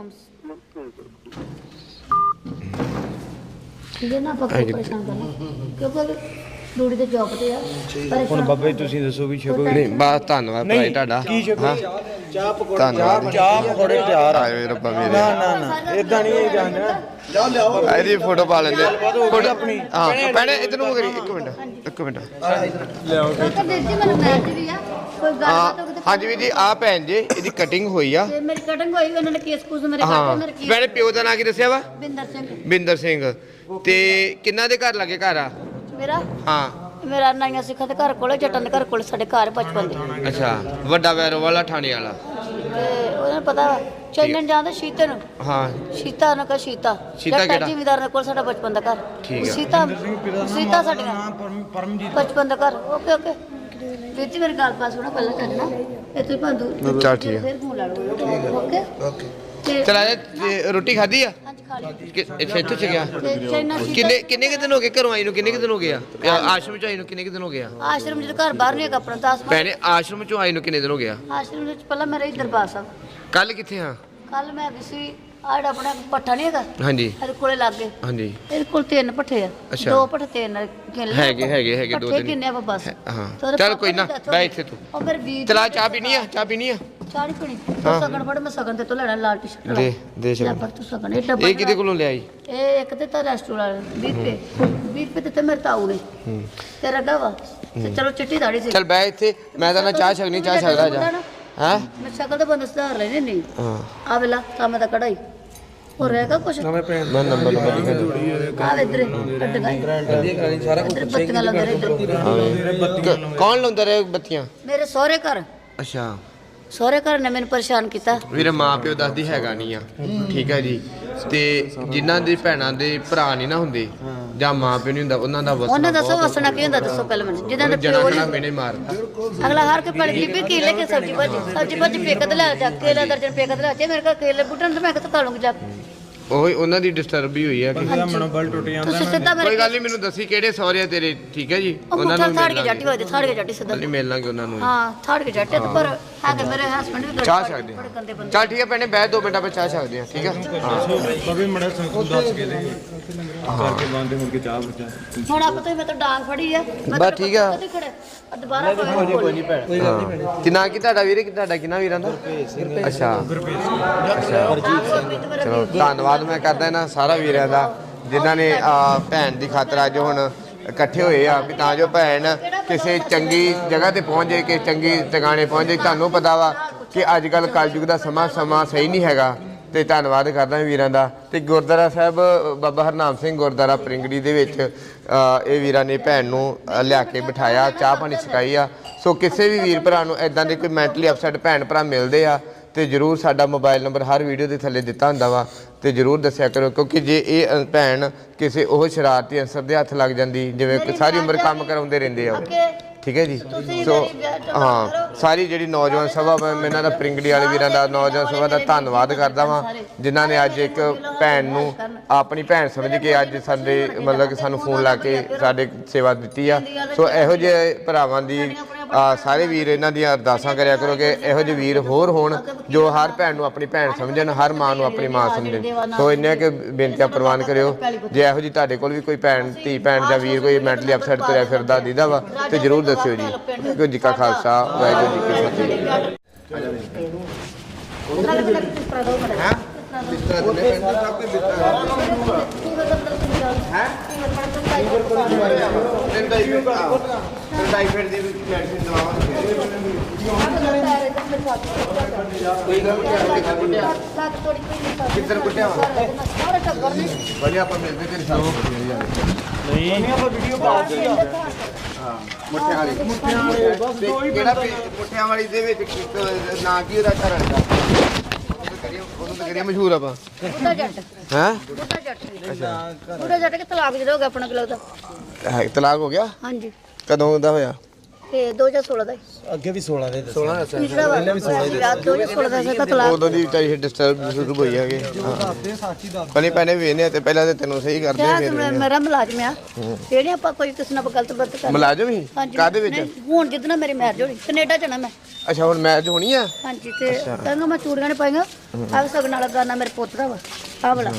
S1: ਠੀਕ ਹੈ ਨਾ ਆਪਾਂ ਕੋਈ ਪਰੇਸ਼ਾਨ ਕਰਨਾ ਕਿਉਂਕਿ ਡੂੜੀ ਦੇ ਜੌਬ ਤੇ ਆ।
S3: ਹੁਣ ਬਾਬਾ ਜੀ ਤੁਸੀਂ ਦੱਸੋ ਵੀ ਛਕੋ
S2: ਨਹੀਂ ਬਸ ਧੰਨਵਾਦ ਭਾਈ ਤੁਹਾਡਾ।
S3: ਕੀ ਛਕੋ? ਚਾਹ ਪਕੌੜਾ
S2: ਧੰਨਵਾਦ।
S3: ਚਾਹ ਪਕੌੜੇ ਤਿਆਰ ਆ।
S2: ਆਏ ਰੱਬਾ ਮੇਰੇ।
S3: ਨਾ ਨਾ ਨਾ ਇਦਾਂ ਨਹੀਂ ਇਹ ਜਾਣਨਾ। ਜਾ ਲਿਆਓ
S2: ਇਹਦੀ ਫੋਟੋ ਪਾ ਲੈਂਦੇ ਫੋਟੋ
S3: ਆਪਣੀ।
S2: ਹਾਂ ਭੈਣੇ ਇਧਰ ਨੂੰ ਕਰੀ ਇੱਕ ਮਿੰਟ ਇੱਕ ਮਿੰਟ।
S3: ਲਿਆਓ
S1: ਕਿਉਂਕਿ ਵੀਰ ਜੀ ਮੈਨੂੰ ਮੈਚ ਵੀ ਆ ਕੋਈ ਗੱਲਬਾਤ ਹੋਵੇ
S2: ਹਾਂ ਹਾਂਜੀ ਵੀਰ ਜੀ ਆ ਭੈਣ ਜੀ ਇਹਦੀ ਕਟਿੰਗ ਹੋਈ ਆ।
S1: ਤੇ ਮੇਰੀ ਕਟਿੰਗ ਹੋਈ ਉਹਨਾਂ ਨੇ ਕੇਸ ਕੂਸ ਮੇਰੇ
S2: ਹਾਂ
S1: ਕੱਟੇ ਮੇਰੇ ਕੀ
S2: ਭੈਣੇ ਪਿਓ ਦਾ ਨਾਂ ਕੀ ਦੱਸਿਆ ਵਾ?
S1: ਬਿੰਦਰ ਸਿੰਘ
S2: ਬਿੰਦਰ ਸਿੰਘ। ਤੇ ਕਿੰਨਾ ਦੇ ਘਰ ਲੱਗੇ ਘਰ ਆ?
S1: ਮੇਰਾ
S2: ਹਾਂ
S1: ਮੇਰਾ ਨਾਈਆਂ ਸਿੱਖਾਂ ਦੇ ਘਰ ਕੋਲੇ ਜੱਟਾਂ ਦੇ ਘਰ ਕੋਲੇ ਸਾਡੇ ਘਰ ਬਚਪਨ ਦੇ।
S2: ਅੱਛਾ ਵੱਡਾ ਵੈਰੋ ਵਾਲਾ ਥਾਣੇ ਵਾਲਾ।
S1: ਤੇ ਉਹਨਾਂ ਨੂੰ ਪਤਾ ਚੈਨਨ ਜਾਂਦਾ ਸ਼ੀਤੇ ਨੂੰ।
S2: ਹਾਂ
S1: ਸੀਤਾ ਉਹਨਾਂ ਕਾ ਸੀਤਾ
S2: ਸੀਤਾ
S1: ਜੱਟਾਂ
S2: ਕਿਹੜਾ?
S1: ਜ਼ਿਮੀਦਾਰ ਦੇ ਕੋਲ ਸਾਡਾ ਬਚਪਨ ਦਾ ਘਰ।
S2: ਠੀਕ ਆ।
S1: ਸੀਤਾ ਸੀਤਾ ਸਾਡੀਆਂ
S3: ਪਰਮ ਪਰਮਜੀਤ
S1: ਬਚਪਨ ਦਾ ਘਰ। ਓਕੇ ਓਕੇ ਵੀਰ ਜੀ ਮੇਰੀ ਗੱਲ ਬਾਤ ਸੁਣੋ ਪਹਿਲਾਂ ਚੱਲਣਾ ਇੱਥੇ ਭਾਂਦੂ
S2: ਚੱਲ ਠੀਕ ਆ।
S1: ਫਿਰ ਫੋਨ ਲਾ ਲਓ। ਓਕੇ ਓਕੇ ਤੇ
S2: ਚਲਾ ਜਾ ਰੋਟੀ ਖਾਧੀ ਆ?
S1: ਹਾਂਜੀ ਖਾ ਲਈ
S2: ਕਿ- ਇੱਥੇ ਇੱਥੇ ਚ ਗਿਆ?
S1: ਤੇ ਚਾਈਨਾ ਸੀਤਾ
S2: ਕਿੰਨੇ ਕਿੰਨੇ ਕਿ ਦਿਨ ਹੋ ਗਏ ਘਰੋਂ ਆਈ ਨੂੰ? ਕਿੰਨੇ ਕਿ ਦਿਨ ਹੋ ਗਏ ਆ ਆ- ਆਸ਼ਰਮ ਚ ਆਈ ਨੂੰ ਕਿੰਨੇ ਕਿ ਦਿਨ ਹੋ ਗਏ ਆ?
S1: ਆਸ਼ਰਮ ਜਦੋਂ ਘਰ ਬਾਹਰ ਨਹੀਂ ਹੈਗਾ ਆਪਣਾ ਦਸ
S2: ਭੈਣੇ ਆਸ਼ਰਮ ਚੋਂ ਆਈ ਨੂੰ ਕਿੰਨੇ ਦਿਨ ਹੋ ਗਏ ਆ?
S1: ਆਸ਼ਰਮ ਵਿੱਚ ਪਹਿਲਾਂ ਮੈਂ ਰਹੀ ਦਰਬਾਰ ਸਾਹਿਬ।
S2: ਕੱਲ ਕਿੱਥੇ ਆ?
S1: ਕੱਲ ਮੈਂ ਵੀ ਸੀ ਆਹ ਜਿਹੜਾ ਆਪਣਾ ਪੱਠਾ ਨਹੀਂ ਹੈਗਾ
S2: ਹਾਂਜੀ
S1: ਇਹਦੇ ਕੋਲੇ ਲੱਗੇ
S2: ਹਾਂਜੀ
S1: ਇਹਦੇ ਕੋਲ ਤਿੰਨ ਪੱਠੇ ਆ।
S2: ਅੱਛਾ।
S1: ਦੋ ਪੱਠੇ ਤਿੰਨ ਗਿਣ ਲਏ
S2: ਹੈਗੇ
S1: ਆਪਾਂ।
S2: ਹੈਗੇ ਹੈਗੇ ਦੋ
S1: ਪੱਠੇ
S2: ਤਿੰਨ
S1: ਕਿੰਨੇ ਆ ਬਸ
S2: ਹੈ- ਹਾਂ
S1: ਤੇ ਉਹਦੇ
S2: ਚੱਲ
S1: ਪਾਪਾ
S2: ਕੋਈ ਨਾ
S1: ਦੀ death ਹੋ
S2: ਬੈ
S1: ਗਈ।
S2: ਇੱਥੇ ਤੂੰ
S1: ਉਹ ਮੇਰੇ ਵੀਰ
S2: ਚਲਾ ਚਾਹ ਪੀਣੀ ਆ? ਚਾਹ ਪੀਣੀ ਆ?
S1: ਚਾਹ ਨਹੀਂ ਪੀਣੀ ਤੂੰ ਸਗਨ ਫੜ ਮੈਂ ਸਗਨ ਤੇ ਤੋਂ ਲੈਣਾ ਲਾਲ ਟੀ-ਸ਼ਰਟ ਵਾਲਾ।
S2: ਦੇ ਦੇ
S1: ਲੈ
S2: ਸ਼ਗਨ।
S1: ਫੜ ਤੂੰ ਸਗਨ ਇਹ ਡੱਬਾ
S2: ਇਹ ਕਿਹਦੇ ਕੋਲੋਂ ਲਿਆਈ?
S1: ਇਹ ਇੱਕ ਤੇ ਤਾਂ ਰੈਸਟੋਰੈਂਟ ਵੀਹ ਰੁਪਏ ਵੀਹ ਰੁਪਏ ਦਿੱਤੇ ਮੇਰੇ ਤਾਊ ਨੇ ਤੇ ਰੱਗਾ ਵਾ ਤੇ ਚਲੋ ਚਿੱਟੀ ਦਾੜੀ ਸੀ
S2: ਚੱਲ ਬੈ ਇੱਥੇ ਮੈਂ ਤਾਂ ਨਾ ਚਾਹ ਛਕਣੀ ਚਾਹ ਛਕਦਾ ਜਾ ਹੈ
S1: ਮੈਂ ਸ਼ਕਲ ਤਾਂ ਬੰਦ ਸੁਧਾਰ ਲੈਣੇ ਨਹੀਂ
S2: ਹਾਂ
S1: ਆ ਵੇਲਾ ਕੰਮ ਦਾ ਕਢਾਈ ਹੋਰ ਰਹੇਗਾ ਕੁਛ
S2: ਮੈਂ ਨੰਬਰ ਨੰਬਰ ਲਿਖਿਆ
S1: ਆ ਇਧਰ ਅੱਡ ਸਾਰਾ ਕੁਝ ਬੱਤੀਆਂ ਲਾਉਂਦੇ ਰਹੇ ਇੱਧਰ।
S2: ਕੌਣ ਲਾਉਂਦਾ ਰਹੇ ਬੱਤੀਆਂ
S1: ਮੇਰੇ ਸਹੁਰੇ ਘਰ
S2: ਅੱਛਾ
S1: ਸਹੁਰੇ ਘਰ ਨੇ ਮੈਨੂੰ ਪਰੇਸ਼ਾਨ ਕੀਤਾ
S2: ਵੀਰੇ ਮਾਂ ਪਿਓ ਦੱਸਦੀ ਹੈਗਾ ਨਹੀਂ ਆ ਠੀਕ ਹੈ ਜੀ ਤੇ ਜਿਨ੍ਹਾਂ ਦੇ ਭੈਣਾਂ ਦੇ ਭਰਾ ਨਹੀਂ ਨਾ ਹੁੰਦੇ ਜਾਂ ਮਾਂ ਪਿਓ ਨਹੀਂ ਹੁੰਦਾ ਉਹਨਾਂ ਦਾ ਵਸਣਾ
S1: ਉਹਨੇ ਦੱਸੋ ਵਸਣਾ ਕੀ ਹੁੰਦਾ ਦੱਸੋ ਪਹਿਲਾਂ ਮੈਨੂੰ ਜਿੱਦਾਂ ਦਾ
S2: ਜਣਾ
S1: ਪਿਓ
S2: ਜਣਾ
S1: ਨਹੀਂ
S2: ਮੈਨੇ ਮਾਰਦਾ
S1: ਅਗਲਾ ਹਾਰ ਕੇ ਪੜ ਬੀਬੀ ਕੀ ਲੈ ਕੇ ਸਬਜ਼ੀ ਭਾਜੀ ਸਬਜ਼ੀ ਭਾਜੀ ਪੇਕਤ ਲੈ ਜਾ ਕੇਲਾ ਦਰਜਨ ਪੇਕਤ ਲੈ ਜਾ ਮੇਰੇ ਕੋਲ ਕੇਲੇ ਬੁੱਟਣ ਤੇ ਮੈਂ ਕਿੱਥੋਂ ਖਾ ਲੂੰਗੀ ਜਾ ਕੇ
S2: ਉਹੀ ਉਹਨਾਂ ਦੀ ਡਿਸਟਰਬ ਹੀ ਹੋਈ ਆ ਕਿ
S3: ਇਹਦਾ ਮਨੋਬਲ ਟੁੱਟ ਜਾਂਦਾ
S1: ਤੁਸੀਂ ਸਿੱਧਾ ਮੇਰੇ
S2: ਕੋਈ ਗੱਲ ਨਹੀਂ ਮੈਨੂੰ ਦੱਸੀ ਕਿਹੜੇ ਸਹੁਰੇ ਆ ਤੇਰੇ ਠੀਕ ਹੈ ਜੀ
S1: ਉਹ
S2: ਉਹਨਾਂ
S1: ਮੁੱਠਾ
S2: ਨੂੰ
S1: ਥਾੜ
S2: ਮਿਲ
S1: ਕੇ ਜਾਟੀ
S2: ਲਾਂਗੇ
S1: ਹੋਏ ਥਾੜ ਕੇ ਜਾਟੀ ਸਿੱਧਾ
S2: ਨਹੀਂ ਮਿਲ ਲਾਂਗੇ ਉਹਨਾਂ ਨੂੰ
S1: ਹਾਂ ਥਾੜ ਕੇ ਜਾਟੇ ਤੇ ਪਰ ਹੈਗੇ ਮੇਰੇ ਹਸਬੰਡ ਵੀ
S2: ਚਾਹ ਛਕਦੇ
S1: ਬੜੇ ਗੰਦੇ ਬੰਦੇ
S2: ਚੱਲ ਠੀਕ ਹੈ ਭੈਣੇ ਬਹਿ ਦੋ ਮਿੰਟਾਂ ਵਿੱਚ ਚਾਹ ਛਕਦੇ ਆ ਠੀਕ ਹੈ
S3: ਬਵੇ ਮੜਾ ਸੰਕੂ ਦੱਸ ਕੇ ਦੇ ਕਰਕੇ ਬੰਦੇ ਮੁੜ ਕੇ ਚਾਹ ਬਚਾ
S1: ਹੁਣ ਆਪ ਤੋਂ ਮੈਂ ਤਾਂ ਡਾਂਗ ਫੜੀ ਆ ਮੈਂ
S2: ਬਸ ਠੀਕ ਆ।
S1: ਕਦੇ ਖੜੇ ਆ ਦੁਬਾਰਾ ਕੋਈ
S2: ਕੋਈ ਨਹੀਂ ਭੈਣ ਕੋਈ ਗੱਲ ਨਹੀਂ ਭੈਣ ਕਿੰਨਾ ਕੀ ਤੁਹਾਡਾ ਵੀਰੇ ਕਿ ਤੁਹਾਡਾ ਕਿੰਨਾ ਵੀਰਾਂ ਦਾ ਅੱਛਾ ਚਲੋ ਧੰਨਵਾਦ ਮੈਂ ਕਰਦਾ ਇਹਨਾਂ ਸਾਰਾ ਵੀਰਾਂ ਦਾ ਜਿਨ੍ਹਾਂ ਨੇ ਆ ਭੈਣ ਦੀ ਖਾਤਰ ਅੱਜ ਹੁਣ ਇਕੱਠੇ ਹੋਏ ਆ ਵੀ ਤਾਂ ਜੋ ਭੈਣ ਕਿਸੇ ਚੰਗੀ ਜਗ੍ਹਾ ਤੇ ਪਹੁੰਚ ਜਾਏ ਕਿ ਚੰਗੀ ਟਿਕਾਣੇ ਪਹੁੰਚ ਜਾਏ ਤੁਹਾਨੂੰ ਪਤਾ ਵਾ ਕਿ ਅੱਜ ਕੱਲ ਕਲਯੁਗ ਦਾ ਸਮਾਂ ਸਮਾਂ ਸਹੀ ਨਹੀਂ ਹੈਗਾ ਤੇ ਧੰਨਵਾਦ ਕਰਦਾ ਵੀਰਾਂ ਦਾ ਤੇ ਗੁਰਦੁਆਰਾ ਸਾਹਿਬ ਬਾਬਾ ਹਰਨਾਮ ਸਿੰਘ ਗੁਰਦੁਆਰਾ ਪ੍ਰਿੰਗੜੀ ਦੇ ਵਿੱਚ ਇਹ ਵੀਰਾਂ ਨੇ ਭੈਣ ਨੂੰ ਲਿਆ ਕੇ ਬਿਠਾਇਆ ਚਾਹ ਪਾਣੀ ਛਕਾਈ ਆ ਸੋ ਕਿਸੇ ਵੀ ਵੀਰ ਭਰਾ ਨੂੰ ਇਦਾਂ ਦੇ ਕੋਈ ਮੈਂਟਲੀ ਅਪਸੈਟ ਭੈਣ ਭਰਾ ਮਿਲਦੇ ਆ ਤੇ ਜਰੂਰ ਸਾਡਾ ਮੋਬਾਈਲ ਨੰਬਰ ਹਰ ਵੀਡੀਓ ਦੇ ਥੱਲੇ ਦਿੱਤਾ ਹੁੰਦਾ ਵਾ ਤੇ ਜਰੂਰ ਦੱਸਿਆ ਕਰੋ ਕਿਉਂਕਿ ਜੇ ਇਹ ਭੈਣ ਕਿਸੇ ਉਹ ਸ਼ਰਾਰਤੀ ਅਨਸਰ ਦੇ ਹੱਥ ਲੱਗ ਜਾਂਦੀ ਜਿਵੇਂ ਕਿ ਸਾਰੀ ਉਮਰ ਕੰਮ ਕਰਾਉਂਦੇ ਰਹਿੰਦੇ ਆ ਠੀਕ ਹੈ ਜੀ ਸੋ ਹਾਂ ਸਾਰੀ ਜਿਹੜੀ ਨੌਜਵਾਨ ਸਭਾ ਮੈਂ ਇਹਨਾਂ ਦਾ ਪ੍ਰਿੰਗੜੀ ਵਾਲੇ ਵੀਰਾਂ ਦਾ ਨੌਜਵਾਨ ਸਭਾ ਦਾ ਧੰਨਵਾਦ ਕਰਦਾ ਵਾਂ ਜਿਨ੍ਹਾਂ ਨੇ ਅੱਜ ਇੱਕ ਭੈਣ ਨੂੰ ਆਪਣੀ ਭੈਣ ਸਮਝ ਕੇ ਅੱਜ ਸਾਡੇ ਮਤਲਬ ਕਿ ਸਾਨੂੰ ਫੋਨ ਲਾ ਕੇ ਸਾਡੇ ਸੇਵਾ ਦਿੱਤੀ ਆ ਸੋ ਇਹੋ ਜਿਹੇ ਭਰਾਵਾਂ ਦੀ ਸਾਰੇ ਵੀਰ ਇਹਨਾਂ ਦੀਆਂ ਅਰਦਾਸਾਂ ਕਰਿਆ ਕਰੋ ਕਿ ਇਹੋ ਜਿਹੇ ਵੀਰ ਹੋਰ ਹੋਣ ਜੋ ਹਰ ਭੈਣ ਨੂੰ ਆਪਣੀ ਭੈਣ ਸਮਝਣ ਹਰ ਮਾਂ ਨੂੰ ਆਪਣੀ ਮਾਂ ਸਮਝਣ ਸੋ ਇੰਨੇ ਕਿ ਬੇਨਤੀਆਂ ਪ੍ਰਵਾਨ ਕਰਿਓ ਜੇ ਇਹੋ ਜਿਹੀ ਤੁਹਾਡੇ ਕੋਲ ਵੀ ਕੋਈ ਭੈਣ ਧੀ ਭੈਣ ਜਾਂ ਵੀਰ ਕੋਈ ਮੈਂਟਲੀ ਅਪਸੈਟ ਤੁਰਿਆ ਫਿਰਦਾ ਦੀਦਾ ਵਾ ਤੇ ਜਰੂਰ ਦੱਸਿਓ ਜੀ ਵਾਹਿਗੁਰੂ ਜੀ ਕਾ ਖਾਲਸਾ ਵਾਹਿਗੁਰੂ ਜੀ ਕੀ ਫਤਿਹ ਕਿੱਧਰ ਕੁੱਟਿਆ ਵਧੀਆ ਆਪਾਂ ਮਿਲਦੇ ਤੇਰੇ ਸਾਹਮਣੇ ਨਹੀਂ ਆਪਾਂ ਵੀਡੀਓ ਪਾ ਦੇ ਹਾਂ ਮੁੱਠਿਆਂ ਵਾਲੀ ਮੁੱਠਿਆਂ ਵਾਲੀ ਬਸ ਦੋ ਹੀ ਕਿਹੜਾ ਮੁੱਠਿਆਂ ਵਾਲੀ ਦੇ ਵਿੱਚ ਨਾਂ ਕੀ ਉਹਦਾ ਘਰ ਦਾ ਉਹਨੂੰ ਤਾਂ ਕਰੀਏ ਮਸ਼ਹੂਰ ਆਪਾਂ
S1: ਬੁੱਢਾ ਜੱਟ
S2: ਹੈ
S1: ਬੁੱਢਾ ਜੱਟ ਅੱਛਾ ਬੁੱਢਾ ਜੱਟ ਕਿ ਤਲਾਕ ਜਦੋਂ ਹੋ ਗਿਆ ਆਪਣਾ ਕਿ ਲੱਗਦਾ
S2: ਹੈ ਤਲਾਕ ਹੋ ਗਿਆ
S1: ਹਾਂਜੀ
S2: ਕਦੋਂ ਦਾ ਹੋਇਆ
S1: ਤੇ ਦੋ ਹਜ਼ਾਰ ਸੋਲਾਂ ਦਾ
S4: ਅੱਗੇ ਵੀ ਸੋਲਾਂ ਦੇ
S2: ਸੋਲਾਂ ਦਾ
S1: ਪਿਛਲਾ ਵਾਰ ਵੀ ਸੋਲਾਂ ਦਾ ਦੋ ਹਜ਼ਾਰ ਸੋਲਾਂ ਦਾ ਸੀ ਤਲਾਕ
S2: ਉਦੋਂ ਦੀ ਵਿਚਾਰੀ ਡਿਸਟਰਬ ਸ਼ੁਰੂ ਹੋਈ ਹੈਗੇ
S4: ਦੱਸਦੇ ਸਾਚੀ ਦੱਸ
S2: ਪਹਿਲੇ ਪਹਿਲੇ ਵੇਨੇ ਤੇ ਪਹਿਲਾਂ ਤੇ ਤੈਨੂੰ ਸਹੀ ਕਰਦੇ
S1: ਕਿਹਾ
S2: ਫਿਰ
S1: ਸੀ ਮੇਰਾ ਮੁਲਾਜ਼ਮ ਆ ਜਿਹੜੇ ਆਪਾਂ ਕੋਈ ਕਿਸੇ ਨਾਲ ਗਲਤ ਵਰਤ ਕਰ
S2: ਮੁਲਾਜ਼ਮ ਹੀ ਕਾਦੇ ਵਿੱਚ
S1: ਹੁਣ ਜਿੱਦਣਾ ਮੇਰੀ ਮੈਰਿਜ ਹੋਣੀ ਕੈਨੇਡਾ ਜਾਣਾ ਮੈਂ
S2: ਅੱਛਾ ਹੁਣ ਮੈਚ ਹੋਣੀ ਆ
S1: ਹਾਂਜੀ ਤੇ ਕਹਿੰਗਾ ਮੈਂ ਚੂੜੀਆਂ ਨੇ ਪਾਈਆਂ ਆ ਸਗਨ ਵਾਲਾ ਗਾਣਾ ਮੇਰੇ ਪੁੱਤ ਦਾ ਵਾ ਆ ਵਾਲਾ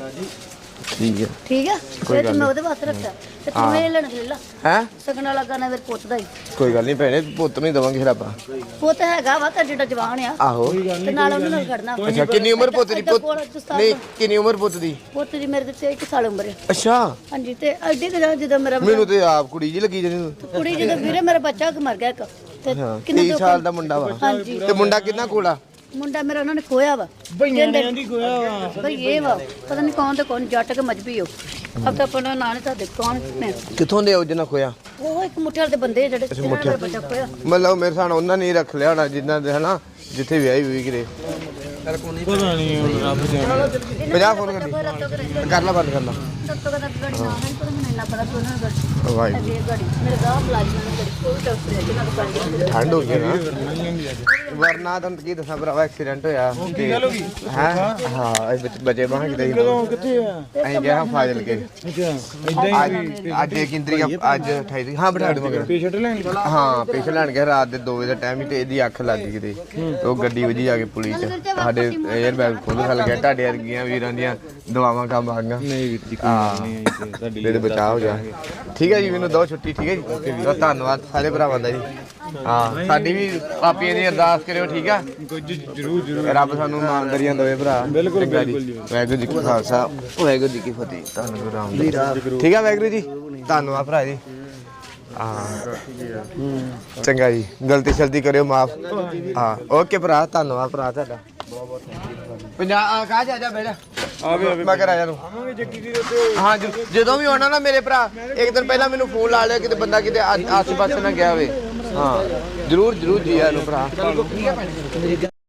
S2: ਠੀਕ ਹੈ
S1: ਠੀਕ ਹੈ ਫਿਰ ਤੇ ਮੈਂ ਉਹਦੇ ਵਾਸਤੇ ਰੱਖਿਆ ਤੇ ਤੂੰ ਇਹ ਲੈਣ ਲੈ ਲਾ
S2: ਹੈ
S1: ਸਗਨ ਵਾਲਾ ਗਾਣਾ ਮੇਰੇ ਪੁੱਤ ਦਾ ਹੀ
S2: ਕੋਈ ਗੱਲ ਨਹੀਂ ਭੈਣੇ ਪੁੱਤ ਨਹੀਂ ਦਵਾਂਗੇ ਫਿਰ ਆਪਾਂ
S1: ਪੁੱਤ ਹੈਗਾ ਵਾ ਤਾਂ ਜਿਹੜਾ ਜਵਾਨ ਆ
S2: ਆਹੋ
S1: ਤੇ ਨਾਲ ਉਹਨੂੰ ਨਾਲ ਖੜਨਾ
S2: ਅੱਛਾ ਕਿੰਨੀ ਉਮਰ ਪੁੱਤ ਦੀ ਪੁੱਤ ਨਹੀਂ ਕਿੰਨੀ ਉਮਰ ਪੁੱਤ ਦੀ
S1: ਪੁੱਤ ਦੀ ਮੇਰੇ ਤੇ ਇੱਕ ਸਾਲ ਉਮਰ ਹੈ
S2: ਅੱਛਾ
S1: ਹਾਂਜੀ ਤੇ ਐਡੀ ਕਿ ਜਦੋਂ ਮੇਰਾ
S2: ਮੈਨੂੰ ਤੇ ਆਪ ਕੁੜੀ ਜੀ ਲੱਗੀ ਜਿਹੜੀ
S1: ਕੁੜੀ ਜਦੋਂ ਵੀਰੇ ਮੇਰਾ ਬੱਚਾ ਮਰ ਗਿਆ ਇੱਕ ਤੇ
S2: ਤੀਹ ਸਾਲ ਦਾ ਮੁੰਡਾ ਵਾ
S1: ਹਾਂਜੀ
S2: ਤੇ ਮੁੰਡਾ ਕਿੰਨਾ ਕੋਲਾ
S1: ਮੁੰਡਾ ਮੇਰਾ ਉਹਨਾਂ ਨੇ ਖੋਇਆ ਵਾ
S4: ਬਈਆਂ ਨੇ ਦੀ ਖੋਇਆ ਵਾ
S1: ਭਈ ਇਹ ਵਾ ਪਤਾ ਨਹੀਂ ਕੌਣ ਤੇ ਕੌਣ ਜੱਟ ਕੇ ਮਜਬੀ ਹੋ ਅਬ ਤਾਂ ਆਪਣਾ ਨਾਂ ਨਹੀਂ ਤਾਂ ਦੇ ਕੌਣ ਨੇ
S2: ਕਿੱਥੋਂ ਦੇ ਉਹ ਜਿਹਨਾਂ ਖੋਇਆ
S1: ਉਹ ਇੱਕ ਮੁੱਠੇ ਵਾਲੇ ਦੇ ਬੰਦੇ ਜਿਹੜੇ ਜਿਹਨਾਂ ਦਾ ਬੱਚਾ ਖੋਇਆ
S2: ਮਤਲਬ ਮੇਰੇ ਸਾਨ ਉਹਨਾਂ ਨੇ ਰੱਖ ਲਿਆ ਹੋਣਾ ਜਿਨ੍ਹਾਂ ਦੇ ਹਨਾ ਜਿੱਥੇ ਵਿਆਹੀ ਹੋਈ ਕਿਰੇ
S3: ਪਤਾ ਨਹੀਂ ਹੁਣ ਰੱਬ ਜਾਣੇ
S2: ਪੰਜਾਹ ਫੋਨ ਕਰ ਲਈ ਕਰ ਲਾ ਬੰਦ ਕਰ ਲਾ
S1: ਸੱਤੋ ਦਾ ਗਾੜੀ ਨਾ ਹੈ ਪਰ ਮੈਨੂੰ ਇੰਨਾ ਪਤਾ ਤੂੰ ਉਹਨਾਂ ਗਾੜੀ
S2: ਵਾਹਿਗੁਰੂ
S1: ਇਹ ਗਾੜੀ ਮੇਰੇ ਗਾਹ ਪਲਾਜ਼ਮਾ ਨੂੰ ਗਾੜੀ ਕੋਈ ਡਾਕਟਰ ਹੈ ਜਿਹਨਾਂ ਦਾ ਗਾੜੀ
S2: ਠੰਡ ਹੋ ਗਈ ਨਾ ਵਰਨਾ ਤਾਂ ਕੀ ਦੱਸਾਂ ਭਰਾਵਾ ਐਕਸੀਡੈਂਟ ਹੋਇਆ ਕੀ ਗੱਲ ਹੋ ਗਈ ਹੈ ਹਾਂ ਇਹ ਵਿੱਚ ਬਚੇ ਬਾਹਾਂ ਕਿਤੇ
S3: ਕਦੋਂ ਕਿੱਥੇ ਆ
S2: ਅਸੀਂ ਗਿਆ ਫਾਜ਼ਲ ਕੇ
S3: ਅੱਛਾ ਇਦਾਂ
S2: ਅੱਜ ਅੱਜ ਇੱਕ ਇੰਦਰੀ ਅੱਜ ਅਠਾਈ ਤਰੀਕ ਹਾਂ ਬਿਠਾ ਦੇ ਮਗਰ
S3: ਪੇਸ਼ੈਂਟ ਲੈਣ
S2: ਹਾਂ ਪੇਸ਼ੈਂਟ ਲੈਣ ਗਿਆ ਰਾਤ ਦੇ ਦੋ ਵਜੇ ਦਾ ਟਾਈਮ ਹੀ ਤੇ ਇਹਦੀ ਅੱਖ ਲੱਗ ਗਈ ਕਿਤੇ ਤੇ ਉਹ ਗੱਡੀ ਵਜੀ ਜਾ ਕੇ ਪੁਲਿਸ ਚ ਸਾਡੇ 에ਅਰ ਬੈਗ ਖੁੱਲ ਖਲ ਗਿਆ ਤੁਹਾਡੇ ਵਰਗੀਆਂ ਵੀਰਾਂ ਦੀਆਂ ਦੁਆਵਾਂ ਕੰਮ ਆ ਗਈਆਂ
S3: ਨਹੀਂ ਵੀਰ ਜੀ ਕੋਈ ਨਹੀਂ ਆਈ ਤੇ ਤੁਹਾਡੀ
S2: ਇਹਦੇ ਬਚਾਅ ਹੋ ਜਾ ਠੀਕ ਹੈ ਜੀ ਮੈਨੂੰ ਦੋ ਛੁੱਟੀ ਠੀਕ ਹੈ ਜੀ ਧੰਨਵਾਦ ਸਾਰੇ ਭਰਾਵਾਂ ਦਾ ਜੀ ਹਾਂ ਸਾਡੀ ਵੀ ਪਾਪੀਆਂ ਦੀ ਅਰਦਾਸ ਕਰਿਓ ਠੀਕ ਆ
S3: ਕੋਈ ਜਰੂਰ ਜਰੂਰ
S2: ਰੱਬ ਸਾਨੂੰ ਇਮਾਨਦਾਰੀਆਂ ਦੇਵੇ ਭਰਾ
S3: ਬਿਲਕੁਲ,
S2: ਚੰਗਾ ਜੀ।
S3: ਬਿਲਕੁਲ ਜੀ।
S2: ਵਾਹਿਗੁਰੂ ਜੀ ਕਾ ਖਾਲਸਾ ਵਾਹਿਗੁਰੂ ਜੀ ਕੀ ਫਤਿਹ ਧੰਨ ਗੁਰੂ ਰਾਮਦਾਸ ਠੀਕ ਆ ਵਾਹਿਗੁਰੂ ਜੀ ਧੰਨਵਾਦ ਭਰਾ ਜੀ ਹਾਂ ਚੰਗਾ ਜੀ ਗਲਤੀ ਸ਼ਲਤੀ ਕਰਿਓ ਮਾਫ ਹਾਂ ਓਕੇ ਭਰਾ ਧੰਨਵਾਦ ਭਰਾ ਤੁਹਾਡਾ ਪੰਜਾਬ ਕਾ ਜਾ ਜਾ ਬੈਠ ਆਵੇ ਆਵੇ ਮੈਂ ਕਰ ਆਇਆ ਨੂੰ
S3: ਆਵਾਂਗੇ ਜੱਗੀ ਵੀਰ ਉੱਤੇ
S2: ਹਾਂ ਜ- ਜਦੋਂ ਵੀ ਆਉਣਾ ਨਾ ਮੇਰੇ ਭਰਾ ਇੱਕ ਦਿਨ ਪਹਿਲਾਂ ਮੈਨੂੰ ਫੋਨ ਲਾ ਲਿਆ ਕਿਤੇ ਬੰਦਾ ਕਿਤੇ ਆ- ਆਸੇ ਪਾਸੇ ਨਾ ਗਿਆ ਹੋਵੇ ਹਾਂ ਜਰੂਰ ਜਰੂਰ ਜੀ ਆਇਆਂ ਨੂੰ ਭਰਾ ਠੀਕ ਹੈ ਭੈਣ